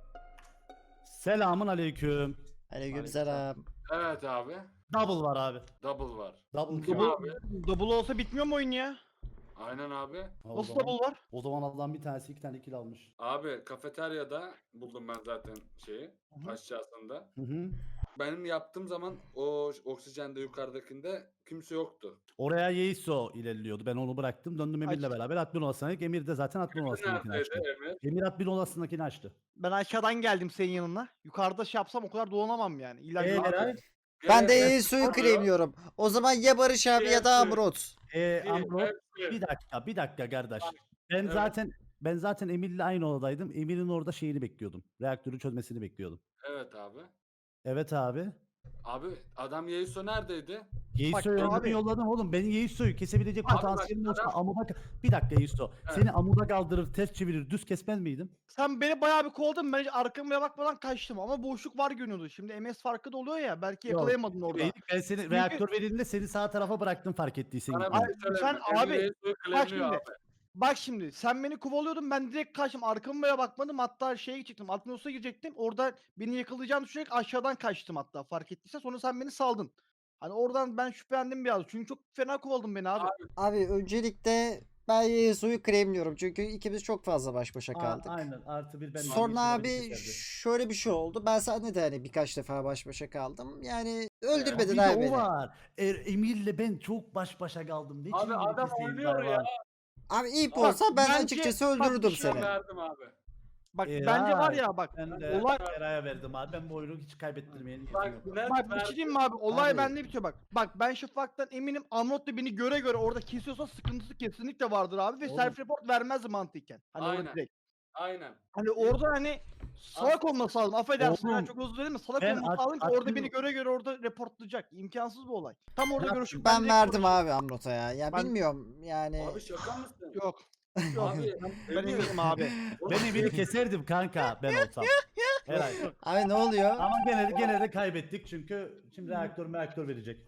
Speaker 3: Selamun aleyküm.
Speaker 1: Aleykümselam.
Speaker 11: Evet abi.
Speaker 3: Double var abi.
Speaker 11: Double var.
Speaker 3: Double
Speaker 11: Kim
Speaker 3: kill.
Speaker 11: abi?
Speaker 9: Double olsa bitmiyor mu oyun ya?
Speaker 11: Aynen abi.
Speaker 3: Ha, o
Speaker 9: Nasıl
Speaker 3: zaman-
Speaker 9: double var?
Speaker 3: O zaman Allah'ın bir tanesi 2 tane kill almış.
Speaker 11: Abi kafeteryada buldum ben zaten şeyi.
Speaker 9: hı.
Speaker 11: Aşağısında.
Speaker 3: Hı hı.
Speaker 11: Benim yaptığım zaman o oksijende yukarıdakinde kimse yoktu.
Speaker 3: Oraya Yeiso ilerliyordu. Ben onu bıraktım. Döndüm Emir'le
Speaker 9: Aç.
Speaker 3: beraber admin odasına gittik. Emir de zaten admin odasındakini
Speaker 11: Neredeydi
Speaker 3: açtı.
Speaker 11: Emir?
Speaker 3: Emir admin odasındakini açtı.
Speaker 9: Ben aşağıdan geldim senin yanına. Yukarıda şey yapsam o kadar dolanamam yani. İlla
Speaker 3: Eray?
Speaker 9: yukarı-
Speaker 1: Ben de
Speaker 11: Gene-
Speaker 1: Yesu'yu
Speaker 11: Hep-
Speaker 1: claimliyorum. O zaman ya Barış abi ya da
Speaker 11: Hepsi.
Speaker 1: Amrot.
Speaker 3: Amrot
Speaker 11: hepsi.
Speaker 3: bir dakika kardeş. Ben
Speaker 11: Evet.
Speaker 3: zaten Emir'le aynı odadaydım. Emir'in orada şeyini bekliyordum. Reaktörü çözmesini bekliyordum.
Speaker 11: Evet abi.
Speaker 3: Evet abi.
Speaker 11: Abi adam Yeiso neredeydi?
Speaker 3: Yeiso'yu
Speaker 9: Bak
Speaker 3: öldürün
Speaker 9: abi.
Speaker 3: yolladım oğlum. Benim Yeiso'yu kesebilecek
Speaker 11: Abi bak,
Speaker 3: potansiyelim olsa
Speaker 11: adam-
Speaker 3: amuda... Bir dakika Yeiso.
Speaker 11: Evet.
Speaker 3: Seni amuda kaldırır, ters çevirir, düz kesmez miydim?
Speaker 9: Sen beni bayağı bir kovaladın. Ben hiç arkamaya bakmadan kaçtım ama boşluk var görünüyordu. Şimdi MS farkı da oluyor ya. Belki
Speaker 3: Yok,
Speaker 9: yakalayamadın orada.
Speaker 3: Ben seni
Speaker 9: Çünkü-
Speaker 3: reaktör verildiğinde seni sağ tarafa bıraktım fark ettiysen.
Speaker 11: Bana
Speaker 3: gitmedin.
Speaker 11: bir şey
Speaker 9: sen
Speaker 11: söyleme. Emir
Speaker 9: abi,
Speaker 11: Yeiso'yu
Speaker 9: Bak
Speaker 11: claimliyor
Speaker 9: şimdi.
Speaker 11: abi.
Speaker 9: Bak şimdi sen beni kovalıyordun ben direkt kaçtım arkama bile bakmadım hatta şeye gidecektim Atmos'a girecektim orada beni yakalayacağını düşünerek aşağıdan kaçtım hatta fark ettiysen sonra sen beni saldın. Hani oradan ben şüphelendim biraz çünkü çok fena kovaladın beni abi.
Speaker 1: Abi öncelikle ben Yesu'yu claimliyorum. Çünkü ikimiz çok fazla baş başa
Speaker 3: Aa,
Speaker 1: kaldık.
Speaker 3: aynen artı bir ben.
Speaker 1: Sonra abi şöyle bir şey oldu. Ben seninle de hani birkaç defa baş başa kaldım. Yani öldürmedin
Speaker 3: Bir de
Speaker 1: abi
Speaker 3: o
Speaker 1: beni.
Speaker 3: var. Emir'le ben çok baş başa kaldım. Ne
Speaker 11: Abi
Speaker 3: çirkin
Speaker 11: adam
Speaker 3: bir seyirler
Speaker 11: oynuyor ya.
Speaker 3: var.
Speaker 1: Abi iyi
Speaker 9: Bak,
Speaker 1: olsa ben
Speaker 9: bence-
Speaker 1: açıkçası
Speaker 9: bak,
Speaker 1: öldürürdüm
Speaker 9: bir şey
Speaker 1: seni.
Speaker 11: Verdim abi.
Speaker 9: Bak bence var ya bak
Speaker 3: Ben de
Speaker 9: olay
Speaker 3: Eray'a verdim abi. Ben bu oyunu hiç kaybettirmeyelim.
Speaker 11: Bak net
Speaker 9: bak bir
Speaker 11: verdim.
Speaker 9: şey diyeyim mi abi olay
Speaker 1: Abi.
Speaker 9: bende bitiyor bak. Bak ben Şafak'tan eminim Amrot da beni göre göre orada kesiyorsa sıkıntısı kesinlikle vardır abi ve
Speaker 3: Oğlum.
Speaker 9: self report vermezdi mantıken. Hani orada
Speaker 11: Aynen.
Speaker 9: direkt.
Speaker 11: Aynen.
Speaker 9: Hani orada hani salak olması lazım. Affedersin ben
Speaker 3: Oğlum,
Speaker 9: çok özür dilerim. Salak
Speaker 3: ben
Speaker 9: olması lazım ki orada
Speaker 3: admin-
Speaker 9: beni göre göre orada reportlayacak. İmkansız bu olay. Tam orada
Speaker 3: Ben-
Speaker 9: görüşüp
Speaker 1: Ben
Speaker 9: direkt
Speaker 1: verdim
Speaker 9: konuşurum.
Speaker 1: abi Amrot'a ya. Ya
Speaker 9: Ben-
Speaker 1: bilmiyorum yani.
Speaker 11: Abi şaka mısın?
Speaker 9: Yok. Yok.
Speaker 11: Abi
Speaker 9: Ben
Speaker 11: Emir,
Speaker 9: eminim abi.
Speaker 3: Ben Emir'i keserdim kanka ben olsam. Eray.
Speaker 1: Abi ne oluyor?
Speaker 3: Ama gene de kaybettik çünkü şimdi reaktör verecek.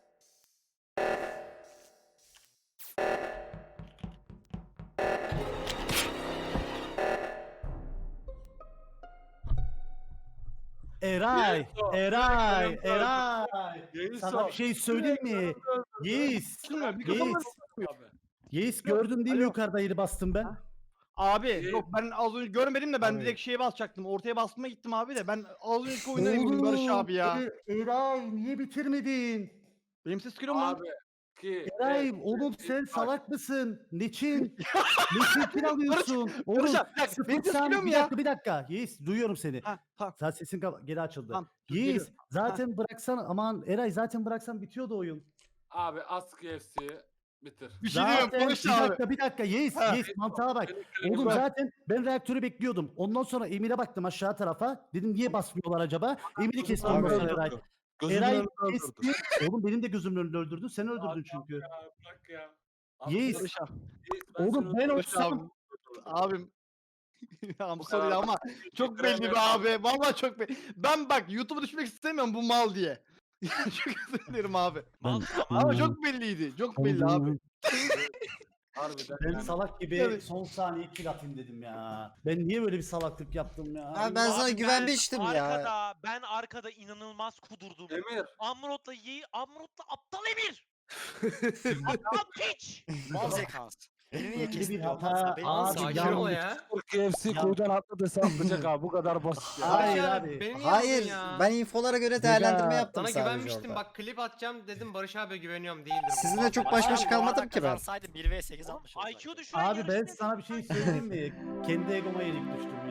Speaker 3: Eray,
Speaker 11: Yeiso,
Speaker 3: Eray,
Speaker 11: Yeiso,
Speaker 3: Eray.
Speaker 11: Yeiso.
Speaker 3: Sana bir şey söyleyeyim mi? Yeis,
Speaker 9: Bilmiyorum, mikrofon
Speaker 3: Yeis,
Speaker 11: Abi.
Speaker 3: Yeis gördün değil mi
Speaker 9: Alo.
Speaker 3: yukarıda yeri bastım ben?
Speaker 9: Abi yok ben az önce görmedim de ben
Speaker 3: Abi.
Speaker 9: direkt şeye basacaktım. Ortaya basmaya gittim abi de ben az önceki oyundan eminim Barış abi ya.
Speaker 3: Eray niye bitirmedin?
Speaker 9: Benim ses geliyor mu lan?
Speaker 11: Abi. Ki,
Speaker 3: Eray oğlum sen
Speaker 11: bak,
Speaker 3: salak mısın? Niçin? Niçin kill alıyorsun? Oğlum
Speaker 9: Barış abi, bir dakika, benim ses
Speaker 3: sıfırsan
Speaker 9: geliyor mu
Speaker 3: bir
Speaker 9: ya?
Speaker 3: dakika bir dakika. Yeis duyuyorum seni.
Speaker 9: Ha, tamam.
Speaker 3: Sen sesin geri açıldı.
Speaker 9: Tamam, dur,
Speaker 3: Yeis
Speaker 9: geliyorum.
Speaker 3: zaten bıraksan aman Eray zaten bıraksan bitiyordu oyun.
Speaker 11: Abi Ask FC'yi bitir.
Speaker 9: Bir şey diyeyim
Speaker 3: Zaten
Speaker 9: Barış
Speaker 3: bir
Speaker 9: abi.
Speaker 3: dakika bir dakika Yeis
Speaker 9: Ha.
Speaker 3: Yeis mantığa bak.
Speaker 11: Seni
Speaker 3: Oğlum
Speaker 11: bak.
Speaker 3: zaten ben reaktörü bekliyordum. Ondan sonra Emir'e baktım aşağı tarafa. Dedim niye basmıyorlar acaba? Emir'i kestim
Speaker 1: Abi,
Speaker 3: ondan sonra Eray.
Speaker 11: Gözümün
Speaker 3: Eray
Speaker 11: önünde öldürdü.
Speaker 3: kesti. Oğlum benim de gözümün önünde öldürdün. Sen öldürdün
Speaker 11: Abi,
Speaker 3: çünkü.
Speaker 11: Ya, bırak ya. Abi,
Speaker 3: Yeis.
Speaker 9: Barış abi.
Speaker 11: Yeis,
Speaker 3: Oğlum
Speaker 11: seni
Speaker 3: ben
Speaker 11: öldürdüm.
Speaker 3: olsam
Speaker 9: Abim. Ya bu
Speaker 11: kadar
Speaker 9: soruyu ama çok belli
Speaker 11: bitiremiyorum
Speaker 9: be abi. Vallahi çok belli. Ben bak YouTube'a düşmek istemiyorum bu mal diye. Çok özür dilerim abi.
Speaker 4: Malsın ama.
Speaker 9: Ama çok belliydi. Çok belli abi.
Speaker 11: Harbiden
Speaker 3: Ben
Speaker 11: yani.
Speaker 3: salak gibi
Speaker 9: Evet.
Speaker 3: son saniye kill atayım dedim ya. Ben niye böyle bir salaklık yaptım ya?
Speaker 1: Abi ben sana
Speaker 4: Abi
Speaker 1: güvenmiştim ya.
Speaker 4: Ben arkada inanılmaz kudurdum.
Speaker 11: Emir.
Speaker 4: Amrot'la aptal Emir. Aptal piç.
Speaker 5: Mal zekans. Beni niye
Speaker 3: Böyle bir
Speaker 5: kestin?
Speaker 3: hata
Speaker 5: Beni
Speaker 3: abi
Speaker 5: nasıl
Speaker 6: Sakin
Speaker 3: yanlış.
Speaker 6: ol ya.
Speaker 11: KFC
Speaker 3: Ya-
Speaker 11: koydan atladıysa atlayacak abi. Bu kadar basit ya.
Speaker 3: Hayır
Speaker 6: Barış
Speaker 3: abi.
Speaker 6: Beni niye
Speaker 1: Hayır
Speaker 6: aldın ya?
Speaker 1: ben infolara göre değerlendirme yaptım
Speaker 6: Sana
Speaker 1: sadece
Speaker 6: güvenmiştim
Speaker 1: orada.
Speaker 6: bak klip atacağım dedim Barış abi güveniyorum değildir. bu.
Speaker 1: Sizinle çok
Speaker 5: Barış
Speaker 1: baş
Speaker 5: abi
Speaker 1: başa
Speaker 5: bu
Speaker 1: kalmadım
Speaker 5: arada
Speaker 1: ki ben.
Speaker 5: Kazansaydı 1v8 almış olacaktı.
Speaker 4: IQ düşüren
Speaker 3: Abi ben
Speaker 4: yarışta-
Speaker 3: sana bir şey söyleyeyim mi? Kendi egoma yenik düştüm